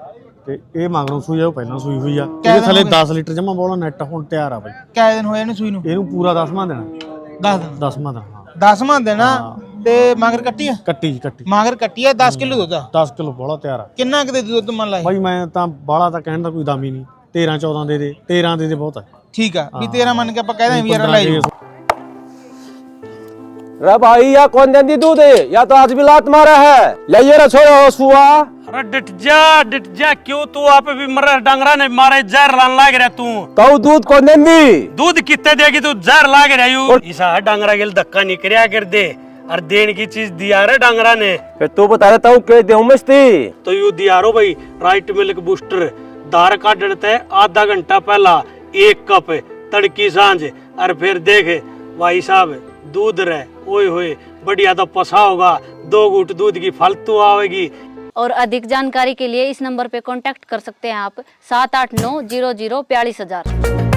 Speaker 5: ਤੇ ਇਹ ਮਗਰੋਂ ਸੂਈ ਆ, ਉਹ ਪਹਿਲਾਂ ਸੂਈ ਹੋਈ ਆ। ਇਹਦੇ ਥੱਲੇ 10 ਲੀਟਰ ਜਮਾ ਬੋਲਾ ਨੈਟ ਹੁਣ ਤਿਆਰ ਆ ਬਾਈ।
Speaker 1: ਕਿੰਨੇ ਦਿਨ ਹੋਏ ਇਹਨੂੰ ਸੂਈ ਨੂੰ?
Speaker 5: ਇਹਨੂੰ ਪੂਰਾ 10ਵਾਂ ਦੇਣਾ।
Speaker 1: 10 ਦਿਨ।
Speaker 5: 10ਵਾਂ ਦੇਣਾ।
Speaker 1: 10ਵਾਂ ਦੇਣਾ। ਤੇ ਮਗਰ ਕੱਟੀ ਆ?
Speaker 5: ਕੱਟੀ
Speaker 1: ਮਗਰ ਕੱਟੀ ਆ। 10 ਕਿਲੋ ਦੁੱਧ ਆ।
Speaker 5: 10 ਕਿਲੋ ਬੋਲਾ ਤਿਆਰ ਆ।
Speaker 1: ਕਿੰਨਾ ਕੁ ਦੇ ਦੁੱਧ ਮੰਨ ਲਾ
Speaker 5: ਬਾਈ? ਮੈਂ ਤਾਂ ਬਾਲਾ ਤਾਂ ਕਹਿਣ ਦਾ ਕੋਈ ਦਮ ਹੀ ਨਹੀਂ। 13-14 ਦੇ ਦੇ, 13 ਦੇ ਦੇ ਬਹੁਤ ਆ।
Speaker 1: ਠੀਕ ਆ, ਵੀ 13 ਮੰਨ ਕੇ ਆਪਾਂ ਕਹਿ ਦਾਂ ਵੀ ਯਾਰ ਲੈ ਜਾਓ।
Speaker 6: रे भाई या कौन देंदी दूध है या तो आज भी लात मारा है ले ये रे छोड़ो हुआ।
Speaker 7: अरे डिट जा क्यों तू आप भी मर डंगरा ने मारे जहर लान लाग रहा तू
Speaker 6: तो दूध कौन देंदी
Speaker 7: दूध कितने देगी तू जहर लाग रहा यू इसा है डंगरा के धक्का निकरिया कर दे और देन की चीज दिया रे डंगरा ने
Speaker 6: फिर तू बता रहा हूँ के देऊं मस्ती
Speaker 7: तो यू दिया रो भाई राइट मिल्क बूस्टर दार का डरते आधा घंटा पहला 1 कप तड़की सांझ और फिर देख भाई साहब दूध रहे ओए होए बढ़िया तो पसा होगा 2 घूंट दूध की फालतू आवेगी।
Speaker 8: और अधिक जानकारी के लिए इस नंबर पे कांटेक्ट कर सकते हैं आप 78900424000।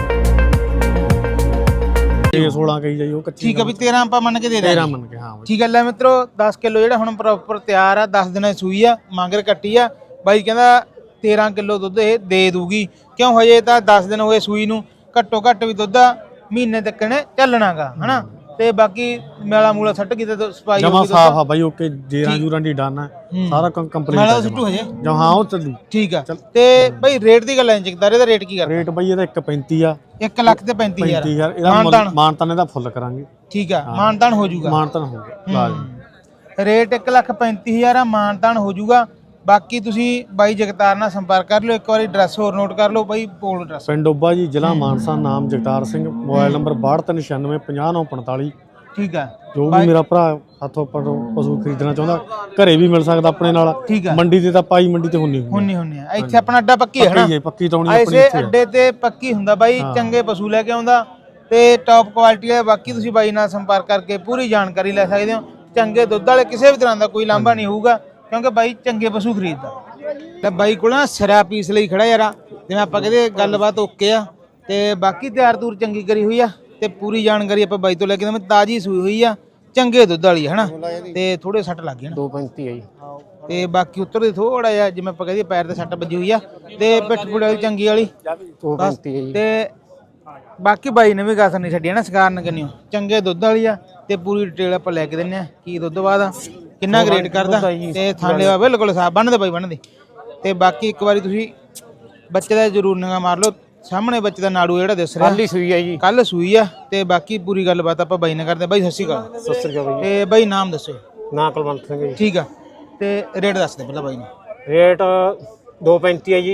Speaker 5: ਇਹ 16 ਕਹੀ ਜਾਈ ਉਹ ਕੱਚੀ
Speaker 1: ਠੀਕ ਹੈ ਵੀ 13 ਆਪਾਂ ਮੰਨ ਕੇ ਦੇ ਦਾਂਗੇ
Speaker 5: 13 ਮੰਨ ਕੇ ਹਾਂ
Speaker 1: ਠੀਕ ਹੈ ਲੈ ਮਿੱਤਰੋ 10 ਕਿਲੋ ਜਿਹੜਾ ਹੁਣ ਪ੍ਰੋਪਰ ਤਿਆਰ ਆ 10 ਦਿਨਾਂ ਦੀ ਸੂਈ ਆ ਮਾਂਗਰ ਕੱਟੀ ਆ ਬਾਈ ਕਹਿੰਦਾ 13 ਕਿਲੋ ਦੁੱਧ ਇਹ ਦੇ ਦੂਗੀ ਕਿਉਂ ਹਜੇ ਤਾਂ 10 ਦਿਨ ਹੋਏ ਸੂਈ ਨੂੰ ਘੱਟੋ ਘੱਟ ਵੀ ਦੁੱਧ ਮਹੀਨੇ ਤੱਕ ਨੇ ਚੱਲਣਾਗਾ ਹਨਾ ਤੇ ਬਾਕੀ ਮੇਲਾ ਮੂਲਾ ਸੱਟ ਕਿਤੇ ਸਫਾਈ
Speaker 5: ਜਮਾ ਸਾਫ ਆ ਬਾਈ ਓਕੇ ਜੇਰਾਂ ਜੂਰਾਂ ਦੀ ਡਨ ਹੈ ਸਾਰਾ ਕੰਪਲੀਟ
Speaker 1: ਮੇਲਾ ਤਾਂ ਸਿੱਟੂ ਹਜੇ
Speaker 5: ਜਾਂ ਹਾਂ ਉਹ ਚੱਲੂ
Speaker 1: ਠੀਕ ਆ ਤੇ ਬਾਈ ਰੇਟ ਦੀ ਗੱਲ ਐਂ ਚੱਕਦਾਰੇ ਦਾ ਰੇਟ ਕੀ ਕਰਦਾ
Speaker 5: ਰੇਟ ਬਾਈ ਇਹਦਾ 1.35 ਆ
Speaker 1: 1 ਲੱਖ ਤੇ 35000
Speaker 5: 35000 ਇਹਦਾ ਮਾਨਤਾਨ ਇਹਦਾ ਫੁੱਲ ਕਰਾਂਗੇ
Speaker 1: ਠੀਕ ਆ ਮਾਨਤਾਨ ਹੋ ਜਾਊਗਾ
Speaker 5: ਮਾਨਤਾਨ ਹੋਊਗਾ ਲਾਜ਼ਮੀ
Speaker 1: ਰੇਟ 1,35,000 ਆ ਮਾਨਤਾਨ ਹੋ ਜਾਊਗਾ ਬਾਕੀ ਤੁਸੀਂ ਬਾਈ ਜਗਤਾਰ ਨਾਲ ਸੰਪਰਕ ਕਰ ਲਿਓ ਇੱਕ ਵਾਰੀ ਐਡਰੈਸ ਹੋਰ ਨੋਟ ਕਰ ਲਓ ਬਾਈ ਬੋਲ ਐਡਰੈਸ
Speaker 5: ਪਿੰਡ ਓਬਾ ਜੀ ਜ਼ਿਲ੍ਹਾ ਮਾਨਸਾ ਨਾਮ ਜਗਤਾਰ ਸਿੰਘ ਮੋਬਾਈਲ ਨੰਬਰ 6296950945
Speaker 1: ਠੀਕ ਆ
Speaker 5: ਜੋ ਵੀ ਮੇਰਾ ਭਰਾ ਹੱਥੋਂ ਪਸ਼ੂ ਖਰੀਦਣਾ ਚਾਹੁੰਦਾ ਘਰੇ ਵੀ ਮਿਲ ਸਕਦਾ ਆਪਣੇ ਨਾਲ
Speaker 1: ਠੀਕ ਆ
Speaker 5: ਮੰਡੀ ਤੇ ਤਾਂ ਪਾਈ ਮੰਡੀ ਤੇ ਹੁੰਨੀ
Speaker 1: ਹੁੰਨੀ ਆ ਇੱਥੇ ਆਪਣਾ ਅੱਡਾ ਪੱਕੀ ਹੈ ਨਾ
Speaker 5: ਪੱਕੀ ਤੌਣੀ ਆਪਣੀ
Speaker 1: ਐਸੇ ਅੱਡੇ ਤੇ ਪੱਕੀ ਹੁੰਦਾ ਬਾਈ ਚੰਗੇ ਪਸ਼ੂ ਲੈ ਕੇ ਆਉਂਦਾ ਤੇ ਟੌਪ ਕੁਆਲਿਟੀ ਦੇ ਬਾਕੀ ਤੁਸੀਂ ਬਾਈ ਨਾਲ ਸੰਪਰਕ ਕਰਕੇ ਪੂਰੀ ਜਾਣਕਾਰੀ ਲੈ ਸਕਦੇ ਹੋ ਚੰਗੇ ਦੁੱਧ ਵਾਲੇ ਕਿਸੇ ਵੀ ਤਰ੍ਹਾਂ ਦਾ ਕੋਈ ਲਾਂਭਾ ਨਹੀਂ ਹੋਊਗਾ ਕਿਉਂਕਿ ਬਾਈ ਚੰਗੇ ਪਸ਼ੂ ਖਰੀਦਦਾ ਤੇ ਬਾਈ ਕੋਲ ਨਾ ਸਿਰਾ ਪੀਸ ਲਈ ਖੜਾ ਯਾਰਾ ਜਿਵੇਂ ਆਪਾਂ ਕਹਿੰਦੇ ਗੱਲਬਾਤ ਓਕੇ ਆ ਤੇ ਬਾਕੀ ਤਿਆਰ ਤੂਰ ਚੰਗੀ ਕਰੀ ਹੋਈ ਆ ਤੇ ਪੂਰੀ ਜਾਣਕਾਰੀ ਆਪਾਂ ਬਾਈ ਤੋਂ ਲੈ ਕੇ ਮੈਂ ਤਾਜੀ ਸੂਈ ਹੋਈ ਆ ਚੰਗੇ ਦੁੱਧ ਵਾਲੀ ਹੈ ਹਨਾ ਤੇ ਥੋੜੇ ਸੱਟ ਲੱਗ ਗਏ ਨਾ
Speaker 6: 2.35 ਹੈ ਜੀ
Speaker 1: ਤੇ ਬਾਕੀ ਉੱਤਰ ਥੋੜਾ ਜਿਹਾ ਜਿਵੇਂ ਆਪਾਂ ਕਹਦੇ ਪੈਰ ਤੇ ਸੱਟ ਵੱਜੀ ਹੋਈ ਆ ਤੇ ਪਿੱਠ ਪੁੜੇ ਵਾਲੀ ਚੰਗੀ ਵਾਲੀ
Speaker 6: 2.35 ਹੈ ਜੀ
Speaker 1: ਤੇ ਬਾਕੀ ਬਾਈ ਨੇ ਵੀ ਗਾਸਰ ਨਹੀਂ ਛੱਡੀ ਨਾ ਸਕਾਰਨ ਕੰਨਿਓ ਚੰਗੇ ਦੁੱਧ ਵਾਲੀ ਆ ਤੇ ਪੂਰੀ ਡਿਟੇਲ ਆਪਾਂ ਲੈ ਕੇ ਦਿੰਨੇ ਆ ਕੀ ਦੁੱਧ ਬਾਅਦ ਆ ਕਿੰਨਾ ਗ੍ਰੇਡ ਕਰਦਾ ਤੇ ਥਾਲੇ ਵਾ ਬਿਲਕੁਲ ਸਾਫ ਬੰਨਦੇ ਬਾਈ ਬੰਨਦੇ ਤੇ ਬਾਕੀ ਇੱਕ ਵਾਰੀ ਤੁਸੀਂ ਬੱਚੇ ਦਾ ਜ਼ਰੂਰ ਨਿਗਾਹ ਮਾਰ ਲਓ ਸਾਹਮਣੇ ਬੱਚੇ ਦਾ ਨਾੜੂ ਜਿਹੜਾ ਦਿਸ ਰਿਹਾ
Speaker 6: ਕੱਲ ਸੂਈ ਹੈ ਜੀ
Speaker 1: ਕੱਲ ਸੂਈ ਆ ਤੇ ਬਾਕੀ ਪੂਰੀ ਗੱਲਬਾਤ ਆਪਾਂ ਬਾਈ ਨਾਲ ਕਰਦੇ ਬਾਈ ਸਤਿ ਸ਼੍ਰੀ ਅਕਾਲ ਤੇ ਬਾਈ ਨਾਮ ਦੱਸੋ
Speaker 6: ਨਾ ਕੁਲਵੰਤ ਸਿੰਘ ਜੀ
Speaker 1: ਠੀਕ ਆ ਤੇ ਰੇਟ ਦੱਸ ਦੇ ਪਹਿਲਾਂ ਬਾਈ ਨੂੰ
Speaker 6: ਰੇਟ 2.35 ਹੈ ਜੀ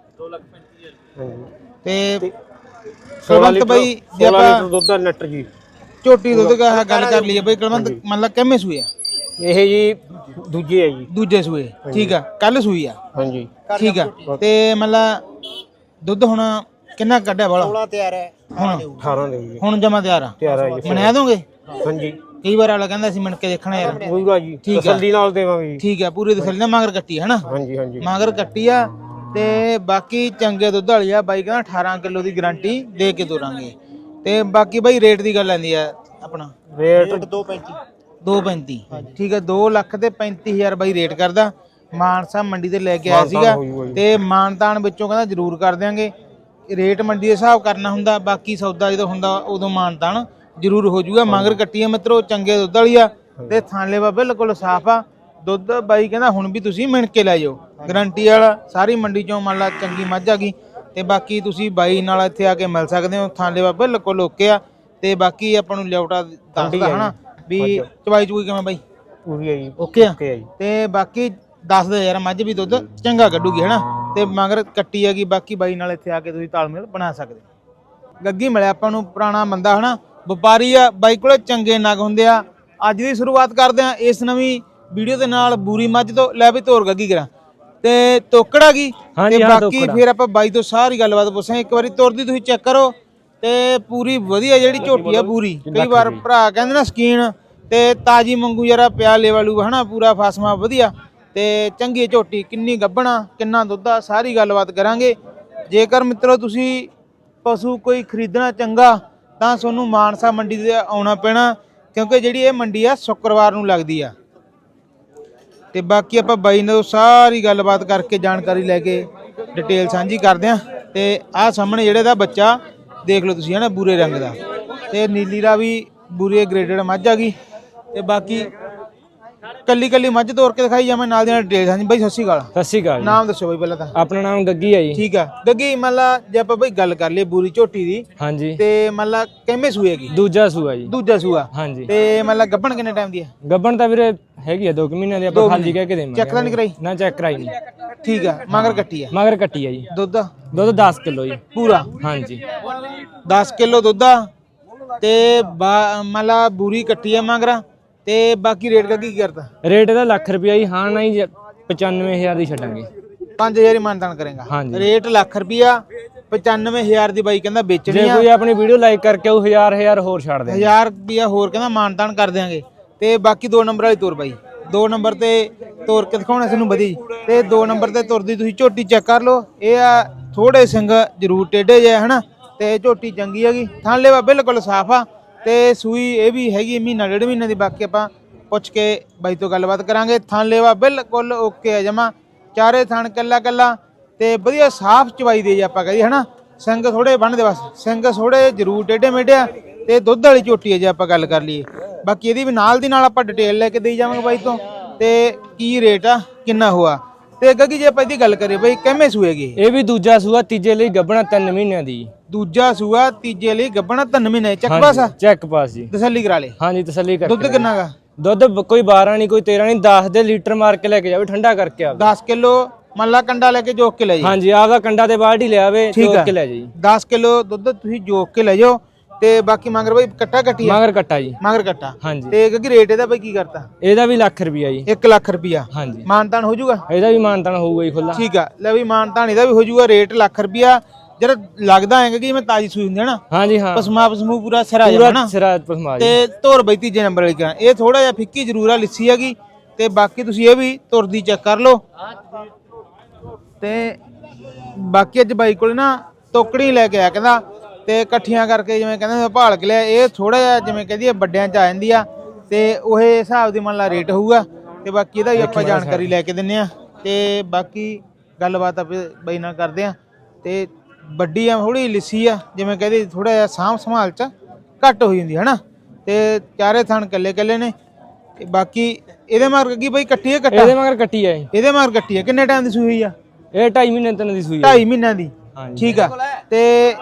Speaker 1: ਤੇ ਕੁਲਵੰਤ ਬਾਈ ਜੇ
Speaker 6: 16
Speaker 1: ਆਪਾਂ
Speaker 6: ਲੀਟਰ ਦੁੱਧ ਦਾ ਲੀਟਰ ਜੀ
Speaker 1: ਝੋਟੀ ਦੁੱਧ ਦਾ ਗੱਲ ਕਰ ਲਈਏ ਬਾਈ ਕੁਲਵੰਤ ਮਤਲਬ ਕਿੰਨੇ ਸੂਏ ਆ
Speaker 6: ਇਹ ਜੀ ਦੂਜੇ ਹੈ ਜੀ
Speaker 1: ਦੂਜੇ ਸੂਏ ਠੀਕ ਆ ਕੱਲ ਸੂਈ ਆ
Speaker 6: ਹਾਂਜੀ
Speaker 1: ਠੀਕ ਆ ਤੇ ਮਤਲਬ ਦੁੱਧ ਹੁਣ ਕਿੰਨਾ ਕੱਢਿਆ ਵਾਲਾ 16 ਤਿਆਰ ਹੈ ਹੁਣ
Speaker 6: 18 ਦੇ ਜੀ
Speaker 1: ਹੁਣ ਜਮਾ ਤਿਆਰ ਆ
Speaker 6: ਤਿਆਰ ਹੈ ਜੀ
Speaker 1: ਮਨਾ ਦੋਗੇ
Speaker 6: ਹਾਂਜੀ
Speaker 1: ਕਈ ਵਾਰ ਵਾਲਾ ਕਹਿੰਦਾ ਸੀ ਮਿਣ ਕੇ ਦੇਖਣਾ ਯਾਰ
Speaker 6: ਪੂਰਾ ਜੀ
Speaker 1: ਠੀਕ ਆ।
Speaker 6: ਤਸੱਲੀ ਨਾਲ ਦੇਵਾਂਗੇ ਜੀ
Speaker 1: ਠੀਕ ਆ ਪੂਰੀ ਤਸੱਲੀ ਨਾਲ ਮਗਰ ਕੱਟੀ ਹੈ ਨਾ
Speaker 6: ਹਾਂਜੀ ਹਾਂਜੀ
Speaker 1: ਮਗਰ ਕੱਟੀ ਆ ਤੇ ਬਾਕੀ ਚੰਗੇ ਦੁੱਧ ਵਾਲੀ ਆ ਬਾਈ ਕਹਿੰਦਾ 18 ਕਿਲੋ ਦੀ ਗਾਰੰਟੀ ਦੇ ਕੇ ਤੋਰਾਂਗੇ ਤੇ ਬਾਕੀ ਬਾਈ ਰੇਟ ਦੀ ਗੱਲ ਆਂਦੀ ਆ ਆਪਣਾ
Speaker 6: ਰੇਟ
Speaker 1: 2.35 ਠੀਕ ਹੈ 2 ਲੱਖ ਤੇ 35000 ਬਾਈ ਰੇਟ ਕਰਦਾ ਮਾਨਸਾ ਮੰਡੀ ਤੇ ਲੈ ਕੇ ਆਇਆ ਸੀਗਾ ਤੇ ਮਾਨਤਾਨ ਵਿੱਚੋਂ ਕਹਿੰਦਾ ਜ਼ਰੂਰ ਕਰ ਦਿਆਂਗੇ ਰੇਟ ਮੰਡੀ ਦੇ ਹਿਸਾਬ ਕਰਨਾ ਹੁੰਦਾ ਬਾਕੀ ਸੌਦਾ ਜਦੋਂ ਹੁੰਦਾ ਉਦੋਂ ਮਾਨਤਾਨ ਜ਼ਰੂਰ ਹੋ ਜਾਊਗਾ ਮਗਰ ਕੱਟੀ ਆ ਮਿੱਤਰੋ ਚੰਗੇ ਦੁੱਧ ਵਾਲੀ ਆ ਤੇ ਥਾਲੇ ਵਾ ਬਿਲਕੁਲ ਸਾਫ ਆ ਦੁੱਧ ਬਾਈ ਕਹਿੰਦਾ ਹੁਣ ਵੀ ਤੁਸੀਂ ਮਿਣ ਕੇ ਲੈ ਜਾਓ ਗਾਰੰਟੀ ਵਾਲਾ ਸਾਰੀ ਮੰਡੀ ਚੋਂ ਮੰਨ ਲਾ ਚੰਗੀ ਮੱਝ ਆ ਗਈ ਤੇ ਬਾਕੀ ਤੁਸੀਂ ਬਾਈ ਨਾਲ ਇੱਥੇ ਆ ਕੇ ਮਿਲ ਸਕਦੇ ਹੋ ਥਾਲੇ ਵਾ ਬਿਲਕੁਲ ਓਕੇ ਆ ਤੇ ਬਾਕੀ ਆਪਾਂ ਨੂੰ ਲਿਆਉਟਾ ਦੱਸਦਾ ਹਨਾ ਵੀ ਚਵਾਈ ਚੂਈ ਕਿਵੇਂ ਬਾਈ
Speaker 6: ਪੂਰੀ ਹੈ ਜੀ
Speaker 1: ਓਕੇ ਆ
Speaker 6: ਜੀ
Speaker 1: ਤੇ ਬਾਕੀ ਦੱਸਦੇ ਯਾਰ ਮੱਝ ਵੀ ਦੁੱਧ ਚੰਗਾ ਕੱਢੂਗੀ ਹਨਾ ਤੇ ਮਗਰ ਕੱਟੀ ਹੈਗੀ ਬਾਕੀ ਬਾਈ ਨਾਲ ਇੱਥੇ ਆ ਕੇ ਤੁਸੀਂ ਤਾਲਮੇਲ ਬਣਾ ਸਕਦੇ ਗੱਗੀ ਮਿਲਿਆ ਆਪਾਂ ਨੂੰ ਪੁਰਾਣਾ ਬੰਦਾ ਹਨਾ ਵਪਾਰੀ ਆ ਬਾਈ ਕੋਲੇ ਚੰਗੇ ਨਗ ਹੁੰਦੇ ਆ ਅੱਜ ਦੀ ਸ਼ੁਰੂਆਤ ਕਰਦੇ ਆ ਇਸ ਨਵੀਂ ਵੀਡੀਓ ਦੇ ਨਾਲ ਬੂਰੀ ਮੱਝ ਤੋਂ ਲੈ ਵੀ ਤੋਰ ਗੱਗੀ ਕਰਾਂ ਤੇ ਤੋਕੜਾ ਗਈ ਤੇ ਬਾਕੀ ਫਿਰ ਆਪਾਂ ਬਾਈ ਤੋਂ ਸਾਰੀ ਗੱਲਬਾਤ ਪੁੱਛਾਂਗੇ ਇੱਕ ਵਾਰੀ ਤੁਰਦੀ ਤੁਸੀਂ ਚੈੱਕ ਕਰੋ ਤੇ ਪੂਰੀ ਵਧੀਆ ਜਿਹੜੀ ਝੋਟੀ ਆ ਪੂਰੀ ਕਈ ਵਾਰ ਭਰਾ ਕਹਿੰਦੇ ਨਾ ਸਕੀਨ ਤੇ ਤਾਜੀ ਮੰਗੂ ਜਰਾ ਪਿਆ ਲੈਵਲੂ ਹਨਾ ਪੂਰਾ ਫਾਸਮਾ ਵਧੀਆ ਤੇ ਚੰਗੀ ਝੋਟੀ ਕਿੰਨੀ ਗੱਭਣਾ ਕਿੰਨਾ ਦੁੱਧ ਆ ਸਾਰੀ ਗੱਲਬਾਤ ਕਰਾਂਗੇ ਜੇਕਰ ਮਿੱਤਰੋ ਤੁਸੀਂ ਪਸ਼ੂ ਕੋਈ ਖਰੀਦਣਾ ਚੰਗਾ ਤਾਂ ਤੁਹਾਨੂੰ ਮਾਨਸਾ ਮੰਡੀ ਤੇ ਆਉਣਾ ਪੈਣਾ ਕਿਉਂਕਿ ਜਿਹੜੀ ਇਹ ਮੰਡੀ ਆ ਸ਼ੁੱਕਰਵਾਰ ਨੂੰ ਲੱਗਦੀ ਆ ਤੇ ਬਾਕੀ ਆਪਾਂ ਬਾਈ ਨਾਲ ਸਾਰੀ ਗੱਲਬਾਤ ਕਰਕੇ ਜਾਣਕਾਰੀ ਲੈ ਕੇ ਡਿਟੇਲ ਸਾਂਝੀ ਕਰਦੇ ਆ ਤੇ ਆਹ ਸਾਹਮਣੇ ਜਿਹੜੇ ਦਾ ਬੱਚਾ ਦੇਖ ਲਓ ਤੁਸੀਂ ਹਨਾ ਬੂਰੇ ਰੰਗ ਦਾ ਤੇ ਨੀਲੀ ਦਾ ਵੀ ਬੂਰੇ ਗ੍ਰੇਡਡ ਮੱਝ ਆ ਗਈ ਤੇ ਬਾਕੀ ਕੱਲੀ ਕੱਲੀ ਮੱਝ ਤੋਰ ਕੇ ਦਿਖਾਈ ਜਾਵੇਂ ਨਾਲ ਦੀ ਨਾਲ ਡਿਟੇਲ। ਹਾਂਜੀ ਬਾਈ ਸਤਿ ਸ਼੍ਰੀ ਅਕਾਲ।
Speaker 9: ਸਤਿ ਸ਼੍ਰੀ ਅਕਾਲ ਜੀ।
Speaker 1: ਨਾਮ ਦੱਸੋ ਬਾਈ ਪਹਿਲਾਂ ਤਾਂ।
Speaker 9: ਆਪਣਾ ਨਾਮ ਗੱਗੀ ਹੈ ਜੀ।
Speaker 1: ਠੀਕ ਆ ਗੱਗੀ, ਮੰਨ ਲਾ ਜੇ ਆਪਾਂ ਬਾਈ ਗੱਲ ਕਰ ਲਈਏ ਬੂਰੀ ਝੋਟੀ ਦੀ,
Speaker 9: ਹਾਂਜੀ
Speaker 1: ਤੇ ਮੰਨ ਲਾ ਕਿੰਨੇ ਸੂਏ ਹੈਗੀ?
Speaker 9: ਦੂਜਾ ਸੂਆ ਜੀ।
Speaker 1: ਦੂਜਾ ਸੂਆ।
Speaker 9: ਹਾਂਜੀ
Speaker 1: ਤੇ ਮੰਨ ਲਾ ਗੱਭਣ ਕਿੰਨੇ ਟਾਈਮ ਦੀ ਹੈ?
Speaker 9: ਗੱਬਣ ਤਾਂ ਵੀਰੇ ਹੈਗੀ ਆ 2 ਮਹੀਨਿਆਂ ਦੀ, ਆਪਾਂ ਖਾਲੀ ਕਹਿ ਕੇ ਦੇਵਾਂਗੇ।
Speaker 1: ਚੈੱਕ ਤਾਂ ਨਹੀਂ ਕਰਾਈ?
Speaker 9: ਨਾ ਚੈੱਕ ਕਰਾਈ ਨਹੀਂ।
Speaker 1: ਠੀਕ ਆ, ਮਗਰ ਕੱਟੀ ਆ?
Speaker 9: ਮਗਰ ਕੱਟੀ ਆ ਜੀ।
Speaker 1: ਦੁੱਧ
Speaker 9: ਦੁੱਧ 10 ਕਿਲੋ ਜੀ
Speaker 1: ਪੂਰਾ?
Speaker 9: ਹਾਂਜੀ
Speaker 1: 10 ਕਿਲੋ ਦੁੱਧ ਆ ਤੇ ਮੰਨ ਲਾ ਬੂਰੀ ਕੱਟੀ ਆ ਮਗਰ, ਤੇ ਬਾਕੀ ਰੇਟ ਦਾ ਕੀ ਕਰਦਾ?
Speaker 9: ਰੇਟ ਇਹਦਾ ਲੱਖ ਰੁਪਿਆ ਜੀ। ਹਾਂ ਨਹੀਂ 95,000 ਦੀ ਛੱਡਾਂਗੇ।
Speaker 1: 5000 ਹੀ ਮਾਨਤਾਨ ਕਰੇਗਾ?
Speaker 9: ਹਾਂਜੀ।
Speaker 1: ਰੇਟ ਲੱਖ ਰੁਪਿਆ, 95,000 ਦੀ ਬਾਈ ਕਹਿੰਦਾ ਵੇਚਣੀ
Speaker 9: ਜੇ
Speaker 1: ਆ।
Speaker 9: ਕੋਈ ਆਪਣੀ ਵੀਡੀਓ ਲਾਈਕ ਕਰਕੇ ਉਹ 1000 ਹੋਰ ਛੱਡ ਦੇ।
Speaker 1: 1000 ਰੁਪਿਆ ਹੋਰ ਕਹਿੰਦਾ ਮਾਨਤਾਨ ਕਰ ਦਿਆਂਗੇ। ਤੇ ਬਾਕੀ 2 ਨੰਬਰ ਵਾਲੀ ਤੋਰ ਬਾਈ, 2 ਨੰਬਰ ਤੇ ਤੋਰ ਕੇ ਦਿਖਾਉਣਾ ਸਾਨੂੰ ਵਧੀ, ਤੇ 2 ਨੰਬਰ ਤੇ ਤੁਰਦੀ ਤੁਸੀਂ ਝੋਟੀ ਚੈੱਕ ਕਰ ਲਓ। ਇਹ ਆ ਥੋੜੇ ਸਿੰਘ ਜ਼ਰੂਰ ਟੇਢੇ ਜੇ ਹਨਾ, ਤੇ ਝੋਟੀ ਚੰਗੀ ਹੈਗੀ, ਥਣ ਲੇਵਾ ਬਿਲਕੁਲ ਸਾਫ ਆ, ਤੇ ਸੂਈ ਇਹ ਵੀ ਹੈਗੀ ਮਹੀਨਾ 1.5 ਮਹੀਨੇ ਦੀ। ਬਾਕੀ ਆਪਾਂ ਪੁੱਛ ਕੇ ਬਾਈ ਤੋਂ ਗੱਲਬਾਤ ਕਰਾਂਗੇ। ਥਣ ਲੇਵਾ ਬਿਲਕੁਲ ਓਕੇ ਆ ਜਮਾ, ਚਾਰੇ ਥਣ ਕੱਲਾ ਕੱਲਾ, ਤੇ ਵਧੀਆ ਸਾਫ ਚਵਾਈ ਦੇ ਜੇ ਆਪਾਂ ਕਹੀ ਹਨਾ। ਸਿੰਘ ਥੋੜੇ ਬਣਦੇ ਬਸ, ਸਿੰਘ ਥੋੜੇ ਜ਼ਰੂਰ ਟੇਢੇ ਮੇਢੇ ਆ, ਤੇ ਦੁੱਧ ਵਾਲੀ ਝੋਟੀ ਹੈ ਜੇ ਆਪਾਂ ਗੱਲ ਕਰ ਲਈਏ। ਬਾਕੀ ਇਹਦੀ ਵੀ ਨਾਲ ਦੀ ਨਾਲ ਆਪਾਂ ਡਿਟੇਲ ਲੈ ਕੇ ਦੇਈ ਜਾਵਾਂਗੇ ਬਾਈ ਤੋਂ, ਤੇ ਕੀ ਰੇਟ ਆ ਕਿੰਨਾ ਹੋਆ। ਤੇ ਗੱਗੀ ਜੇ ਆਪਾਂ ਇਹਦੀ ਗੱਲ ਕਰੀਏ ਬਾਈ ਕਿੰਨੇ ਸੂਏਗੀ?
Speaker 9: ਇਹ ਵੀ ਦੂਜਾ ਸੂਆ, ਤੀਜੇ ਲਈ ਗੱਬਣਾ 3 ਮਹੀਨਿਆਂ ਦੀ।
Speaker 1: ਦੂਜਾ ਸੂਆ, ਤੀਜੇ ਲਈ ਗੱਭਣਾ 3 ਮਹੀਨੇ। ਚੱਕ ਪਾਸ ਆ?
Speaker 9: ਚੈੱਕ ਪਾਸ ਜੀ।
Speaker 1: ਤਸੱਲੀ ਕਰਾ ਲੇ।
Speaker 9: ਹਾਂਜੀ ਤਸੱਲੀ ਕਰ।
Speaker 1: ਦੁੱਧ ਕਿੰਨਾ ਗਾ?
Speaker 9: ਦੁੱਧ ਕੋਈ 12 ਨਹੀਂ ਕੋਈ 13 ਨਹੀਂ, 10 ਦੇ ਲੀਟਰ ਮਾਰ ਕੇ ਲੈ ਕੇ ਜਾਵੇ, ਠੰਡਾ ਕਰਕੇ ਆਵੇ।
Speaker 1: 10 ਕਿਲੋ ਮੰਨ ਲਾ ਕੰਡਾ ਲੈ ਕੇ ਜੋਕ ਕੇ ਲੈ ਜੀ।
Speaker 9: ਹਾਂਜੀ ਆਪਦਾ ਕੰਡਾ ਤੇ ਬਾਲਟੀ ਲਿਆਵੇ, ਜੋਕ ਕੇ ਲੈ ਜਾਈ।
Speaker 1: 10 ਕਿਲੋ ਦੁੱਧ ਤੁਸੀਂ ਜੋਕ ਕੇ ਲੈ ਜਾਓ। ਤੇ ਬਾਕੀ ਮਗਰ ਬਾਈ ਕੱਟਾ ਕੱਟੀ ਆ?
Speaker 9: ਮਗਰ ਕੱਟਾ ਜੀ।
Speaker 1: ਮਗਰ ਕੱਟਾ।
Speaker 9: ਹਾਂਜੀ।
Speaker 1: ਤੇ ਕਿਉਂਕਿ ਰੇਟ ਇਹਦਾ ਬਾਈ ਕੀ ਕਰਤਾ?
Speaker 9: ਇਹਦਾ ਵੀ ਲੱਖ ਰੁਪਿਆ ਜੀ।
Speaker 1: 1 ਲੱਖ ਰੁਪਿਆ।
Speaker 9: ਹਾਂਜੀ
Speaker 1: ਮਾਨਤਾਨ ਹੋ ਜਾਊਗਾ?
Speaker 9: ਇਹਦਾ ਵੀ ਮਾਨਤਾਨ ਹੋਊਗਾ ਜੀ ਖੁੱਲਾ।
Speaker 1: ਠੀਕ ਆ, ਲੈ ਵੀ ਮਾਨਤਾਨ ਇਹਦਾ ਵੀ ਹੋ ਜਾਊਗਾ। ਰੇਟ ਲੱਖ ਰੁਪਿਆ। ਜਿਹੜਾ ਲੱਗਦਾ ਹੈਗਾ ਕਿ ਮੈਂ ਤਾਜੀ ਸੂਈ ਹੁੰਦੀ ਹੈ ਨਾ,
Speaker 9: ਹਾਂਜੀ ਹਾਂ
Speaker 1: ਪਸਮਾ ਪਸਮੂ ਪੂਰਾ ਸਿਰਾ ਜਾਣਾ ਨਾ,
Speaker 9: ਸਿਰਾ ਪਸਮਾ ਜੀ।
Speaker 1: ਤੇ ਧੁਰ ਬਈ ਤੀਜੇ ਨੰਬਰ ਵਾਲੀ ਕਰਾਂ। ਇਹ ਥੋੜਾ ਜਿਹਾ ਫਿੱਕੀ ਜ਼ਰੂਰ ਆ, ਲਿੱਸੀ ਹੈਗੀ। ਤੇ ਬਾਕੀ ਤੁਸੀਂ ਇਹ ਵੀ ਤੁਰਦੀ ਚੈੱਕ ਕਰ ਲਓ। ਤੇ ਬਾਕੀ ਅੱਜ ਬਾਈ ਕੋਲ ਨਾ ਤੋਕੜੀ ਲੈ ਕੇ ਆਇਆ ਕਹਿੰਦਾ, ਤੇ ਇਕੱਠੀਆਂ ਕਰਕੇ ਜਿਵੇਂ ਕਹਿੰਦੇ ਭਾਲ ਕੇ ਲਿਆ। ਇਹ ਥੋੜਾ ਜਿਹਾ ਜਿਵੇਂ ਕਹਿੰਦੀ ਵੱਡਿਆਂ ਚ ਆ ਜਾਂਦੀ ਆ, ਤੇ ਉਹ ਹਿਸਾਬ ਦੀ ਮੰਨ ਲਾ ਰੇਟ ਹੋਊਗਾ। ਤੇ ਬਾਕੀ ਇਹਦਾ ਵੀ ਆਪਾਂ ਜਾਣਕਾਰੀ ਲੈ ਕੇ ਦਿੰਨੇ ਆ, ਤੇ ਬਾਕੀ ਗੱਲਬਾਤ ਆਪਾਂ ਬਾਈ ਨਾਲ ਕਰਦੇ ਆ। ਤੇ ਵੱਡੀ ਆ ਥੋੜੀ ਲਿੱਸੀ ਆ, ਜਿਵੇਂ ਕਹਿੰਦੇ ਥੋੜਾ ਜਿਹਾ ਸਾਂਭ ਸੰਭਾਲ ਚ ਘੱਟ ਹੋਈ ਹੁੰਦੀ ਹੈ ਨਾ, ਤੇ ਚਾਰੇ ਥਣ ਕੱਲੇ ਕੱਲੇ ਨੇ। ਤੇ ਬਾਕੀ ਇਹਦੇ ਮਗਰ ਕੀ ਬਾਈ ਕੱਟੀ ਹੈ? ਕੱਟਾ
Speaker 9: ਇਹਦੇ ਮਗਰ ਕੱਟੀ ਹੈ।
Speaker 1: ਇਹਦੇ ਮਗਰ ਕੱਟੀ ਹੈ। ਕਿੰਨੇ ਟਾਈਮ ਦੀ ਸੂਈ ਹੋਈ ਆ?
Speaker 9: ਇਹ 2.5 ਮਹੀਨੇ ਤਿੰਨ ਦੀ ਸੂਈ ਹੈ।
Speaker 1: 2.5 ਮਹੀਨਿਆਂ ਦੀ। ਠੀਕ ਆ। ਤੇ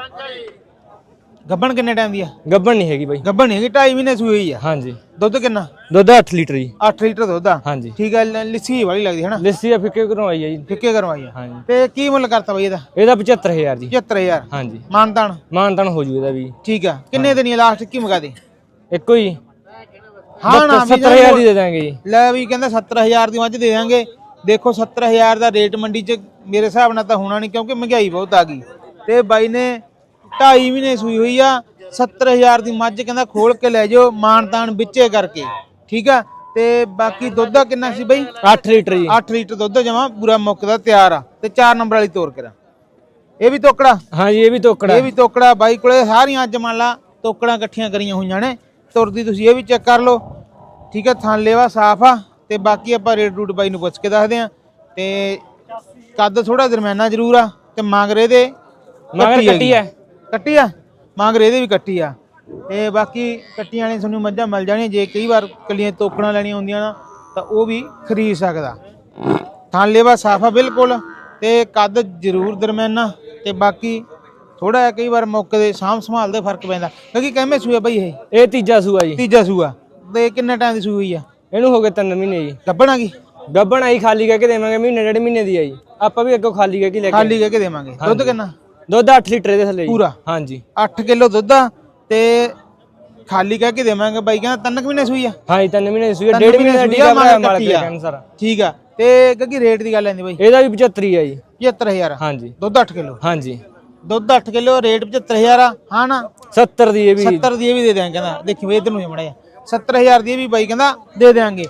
Speaker 1: ਗੱਬਣ ਕਿੰਨੇ ਟਾਈਮ ਦੀ ਆ?
Speaker 9: ਗੱਬਣ ਨਹੀਂ ਹੈਗੀ ਬਾਈ।
Speaker 1: ਗੱਬਣ ਨਹੀਂ ਹੈਗੀ, 2.5 ਮਹੀਨੇ ਸੂਈ ਹੋਈ ਆ।
Speaker 9: ਹਾਂਜੀ।
Speaker 1: ਦੁੱਧ ਕਿੰਨਾ?
Speaker 9: ਦੁੱਧ 8 ਲੀਟਰ ਜੀ।
Speaker 1: 8 ਲੀਟਰ ਦੁੱਧ ਆ?
Speaker 9: ਹਾਂਜੀ।
Speaker 1: ਠੀਕ ਆ। ਲਿੱਸੀ ਵਾਲੀ ਲੱਗਦੀ ਹੈ ਨਾ?
Speaker 9: ਲੱਸੀ ਆ ਫਿੱਕੇ ਕਰਵਾਈ ਹੈ ਜੀ।
Speaker 1: ਫਿੱਕੇ ਕਰਵਾਈ ਆ।
Speaker 9: ਹਾਂਜੀ।
Speaker 1: ਤੇ ਕੀ ਮੁੱਲ ਕਰਤਾ ਬਾਈ ਇਹਦਾ?
Speaker 9: ਇਹਦਾ 75,000 ਜੀ।
Speaker 1: 75000।
Speaker 9: ਹਾਂਜੀ।
Speaker 1: ਮਾਨਤਾਨ?
Speaker 9: ਮਾਨਤਾਨ ਹੋ ਜੂ ਇਹਦਾ ਵੀ।
Speaker 1: ਠੀਕ ਆ। ਕਿੰਨੇ ਦਿਨੀ ਲਾਸਟ ਕੀ ਮੁਕਾ ਦੇ?
Speaker 9: ਇੱਕੋ ਹੀ।
Speaker 1: ਹਾਂ ਨਾ
Speaker 9: 70,000 ਦੀ ਦੇ ਦਾਂਗੇ ਜੀ।
Speaker 1: ਲੈ ਵੀ ਕਹਿੰਦਾ 70000 ਦੀ ਮੱਝ ਦੇ ਦਾਂਗੇ। ਦੇਖੋ 70000 ਦਾ ਰੇਟ ਮੰਡੀ 'ਚ ਮੇਰੇ ਹਿਸਾਬ ਨਾਲ ਤਾਂ ਹੋਣਾ ਨਹੀਂ, ਕਿਉਂਕਿ ਮਹਿੰਗਾਈ ਬਹੁਤ ਆ ਗਈ। ਤੇ ਬਾਈ ਨੇ 2.5 ਮਹੀਨੇ ਸੂਈ ਹੋਈ ਆ। 70000 ਦੀ ਮੱਝ ਕਹਿੰਦਾ ਖੋਲ ਕੇ ਲੈ ਜਾਓ, ਮਾਨਤਾਨ ਵਿੱਚੇ ਕਰਕੇ। ਠੀਕ ਆ। ਤੇ ਬਾਕੀ ਦੁੱਧ ਦਾ ਕਿੰਨਾ ਸੀ ਬਾਈ?
Speaker 9: 8 ਲੀਟਰ ਜੀ।
Speaker 1: 8 ਲੀਟਰ ਦੁੱਧ ਜਮਾ ਪੂਰਾ ਮੁੱਕਦਾ ਤਿਆਰ ਆ। ਤੇ 4 ਨੰਬਰ ਵਾਲੀ ਤੋਰ ਕਰਾ। ਇਹ ਵੀ ਤੋਕੜਾ?
Speaker 9: ਹਾਂਜੀ ਇਹ ਵੀ ਤੋਕੜਾ।
Speaker 1: ਇਹ ਵੀ ਤੋਕੜਾ। ਬਾਈ ਕੋਲੇ ਸਾਰੀਆਂ ਅੱਜ ਮੰਨ ਲਾ ਤੋਕੜਾਂ ਇਕੱਠੀਆਂ ਕਰੀਆਂ ਹੋਈਆਂ ਨੇ। ਤੁਰਦੀ ਤੁਸੀਂ ਇਹ ਵੀ ਚੈੱਕ ਕਰ ਲਓ। ਠੀਕ ਆ। ਥਣ ਲੇਵਾ ਸਾਫ ਆ। ਤੇ ਬਾਕੀ ਆਪਾਂ ਰੇਟ ਰੂਟ ਬਾਈ ਨੂੰ ਪੁੱਛ ਕੇ ਦੱਸਦੇ ਆ। ਤੇ ਕੱਦ ਥੋੜਾ ਦਰਮਿਆਨਾ ਜ਼ਰੂਰ ਆ। ਤੇ ਮੰਗਰੇ ਦੇ
Speaker 9: ਮਗਰ ਕੱਟੀ ਹੈ।
Speaker 1: ਕੱਟੀ ਆ? ਮੰਗਰੇ ਦੇ ਵੀ ਕੱਟੀ ਆ। ਤੇ ਬਾਕੀ ਕੱਟੀਆਂ ਵਾਲੀ ਤੁਹਾਨੂੰ ਮੱਝਾਂ ਮਿਲ ਜਾਣੀਆਂ। ਜੇ ਕਈ ਵਾਰ ਕੱਲੀਆਂ ਤੋਕੜਾਂ ਲੈਣੀਆਂ ਹੁੰਦੀਆਂ ਨਾ, ਤਾਂ ਉਹ ਵੀ ਖਰੀਦ ਸਕਦਾ। ਥਣ ਲੇਵਾ ਸਾਫ ਆ ਬਿਲਕੁਲ, ਤੇ ਕੱਦ ਜ਼ਰੂਰ ਦਰਮਿਆਨਾ। ਤੇ ਬਾਕੀ ਥੋੜਾ ਜਿਹਾ ਕਈ ਵਾਰ ਮੌਕੇ ਦੇ ਸਾਂਭ ਸੰਭਾਲ ਦੇ ਫਰਕ ਪੈਂਦਾ। ਕਿਉਂਕਿ ਕਿੰਨੇ ਸੂਆ ਬਾਈ ਇਹ?
Speaker 9: ਤੀਜਾ ਸੂਆ ਜੀ।
Speaker 1: ਤੀਜਾ ਸੂਆ। ਤੇ ਕਿੰਨੇ ਟਾਈਮ ਦੀ ਸੂਈ ਹੋਈ ਆ?
Speaker 9: ਇਹਨੂੰ ਹੋ ਗਏ 3 ਮਹੀਨੇ ਜੀ।
Speaker 1: ਗੱਭਣ ਆ ਗਈ?
Speaker 9: ਗੱਬਣ ਆਈ ਖਾਲੀ ਕਹਿ ਕੇ ਦੇਵਾਂਗੇ, ਮਹੀਨੇ 1.5 ਮਹੀਨੇ ਦੀ ਆਈ। ਆਪਾਂ ਵੀ ਅੱਗੋਂ ਖਾਲੀ ਕਹਿ ਕੇ ਲੈ ਕੇ
Speaker 1: ਖਾਲੀ ਕਹਿ ਕੇ ਦੇਵਾਂਗੇ। ਦੁੱਧ ਕਿੰਨਾ?
Speaker 9: ਦੁੱਧ 8 ਲੀਟਰ ਦੇ ਥੱਲੇ
Speaker 1: ਪੂਰਾ?
Speaker 9: ਹਾਂਜੀ।
Speaker 1: 8 ਕਿਲੋ ਦੁੱਧ ਆ। ਤੇ ਖਾਲੀ ਕਹਿ ਕੇ ਦੇਵਾਂਗੇ। ਬਾਈ ਕਹਿੰਦਾ 3 ਮਹੀਨੇ ਸੂਈ ਆ?
Speaker 9: ਹਾਂਜੀ 3 ਮਹੀਨੇ ਦੀ ਸੂਈ। 1.5 ਮਹੀਨੇ ਦਾ ਟੀਕਾ ਭਰਾਇਆ ਮਾਲਕ ਦੇ ਕਹਿਣ ਸਾਰਾ।
Speaker 1: ਠੀਕ ਆ। ਤੇ ਕਿਉਂਕਿ ਰੇਟ ਦੀ ਗੱਲ ਆਂਦੀ ਬਾਈ?
Speaker 9: ਇਹਦਾ ਵੀ 75 ਆ ਜੀ।
Speaker 1: 75000?
Speaker 9: ਹਾਂਜੀ।
Speaker 1: ਦੁੱਧ 8 ਕਿਲੋ?
Speaker 9: ਹਾਂਜੀ।
Speaker 1: ਦੁੱਧ 8 ਕਿਲੋ, ਰੇਟ 75000 ਆ। ਹਾਂ ਨਾ?
Speaker 9: 70 ਦੀ ਇਹ ਵੀ।
Speaker 1: 70 ਦੀ ਇਹ ਵੀ ਦੇ ਦਿਆਂਗੇ ਕਹਿੰਦਾ। ਦੇਖੀ ਵੇ ਇਧਰ ਨੂੰ ਮੜਾ ਜਾ। 70000 ਦੀ ਇਹ ਵੀ ਬਾਈ ਕਹਿੰਦਾ ਦੇ ਦਿਆਂਗੇ।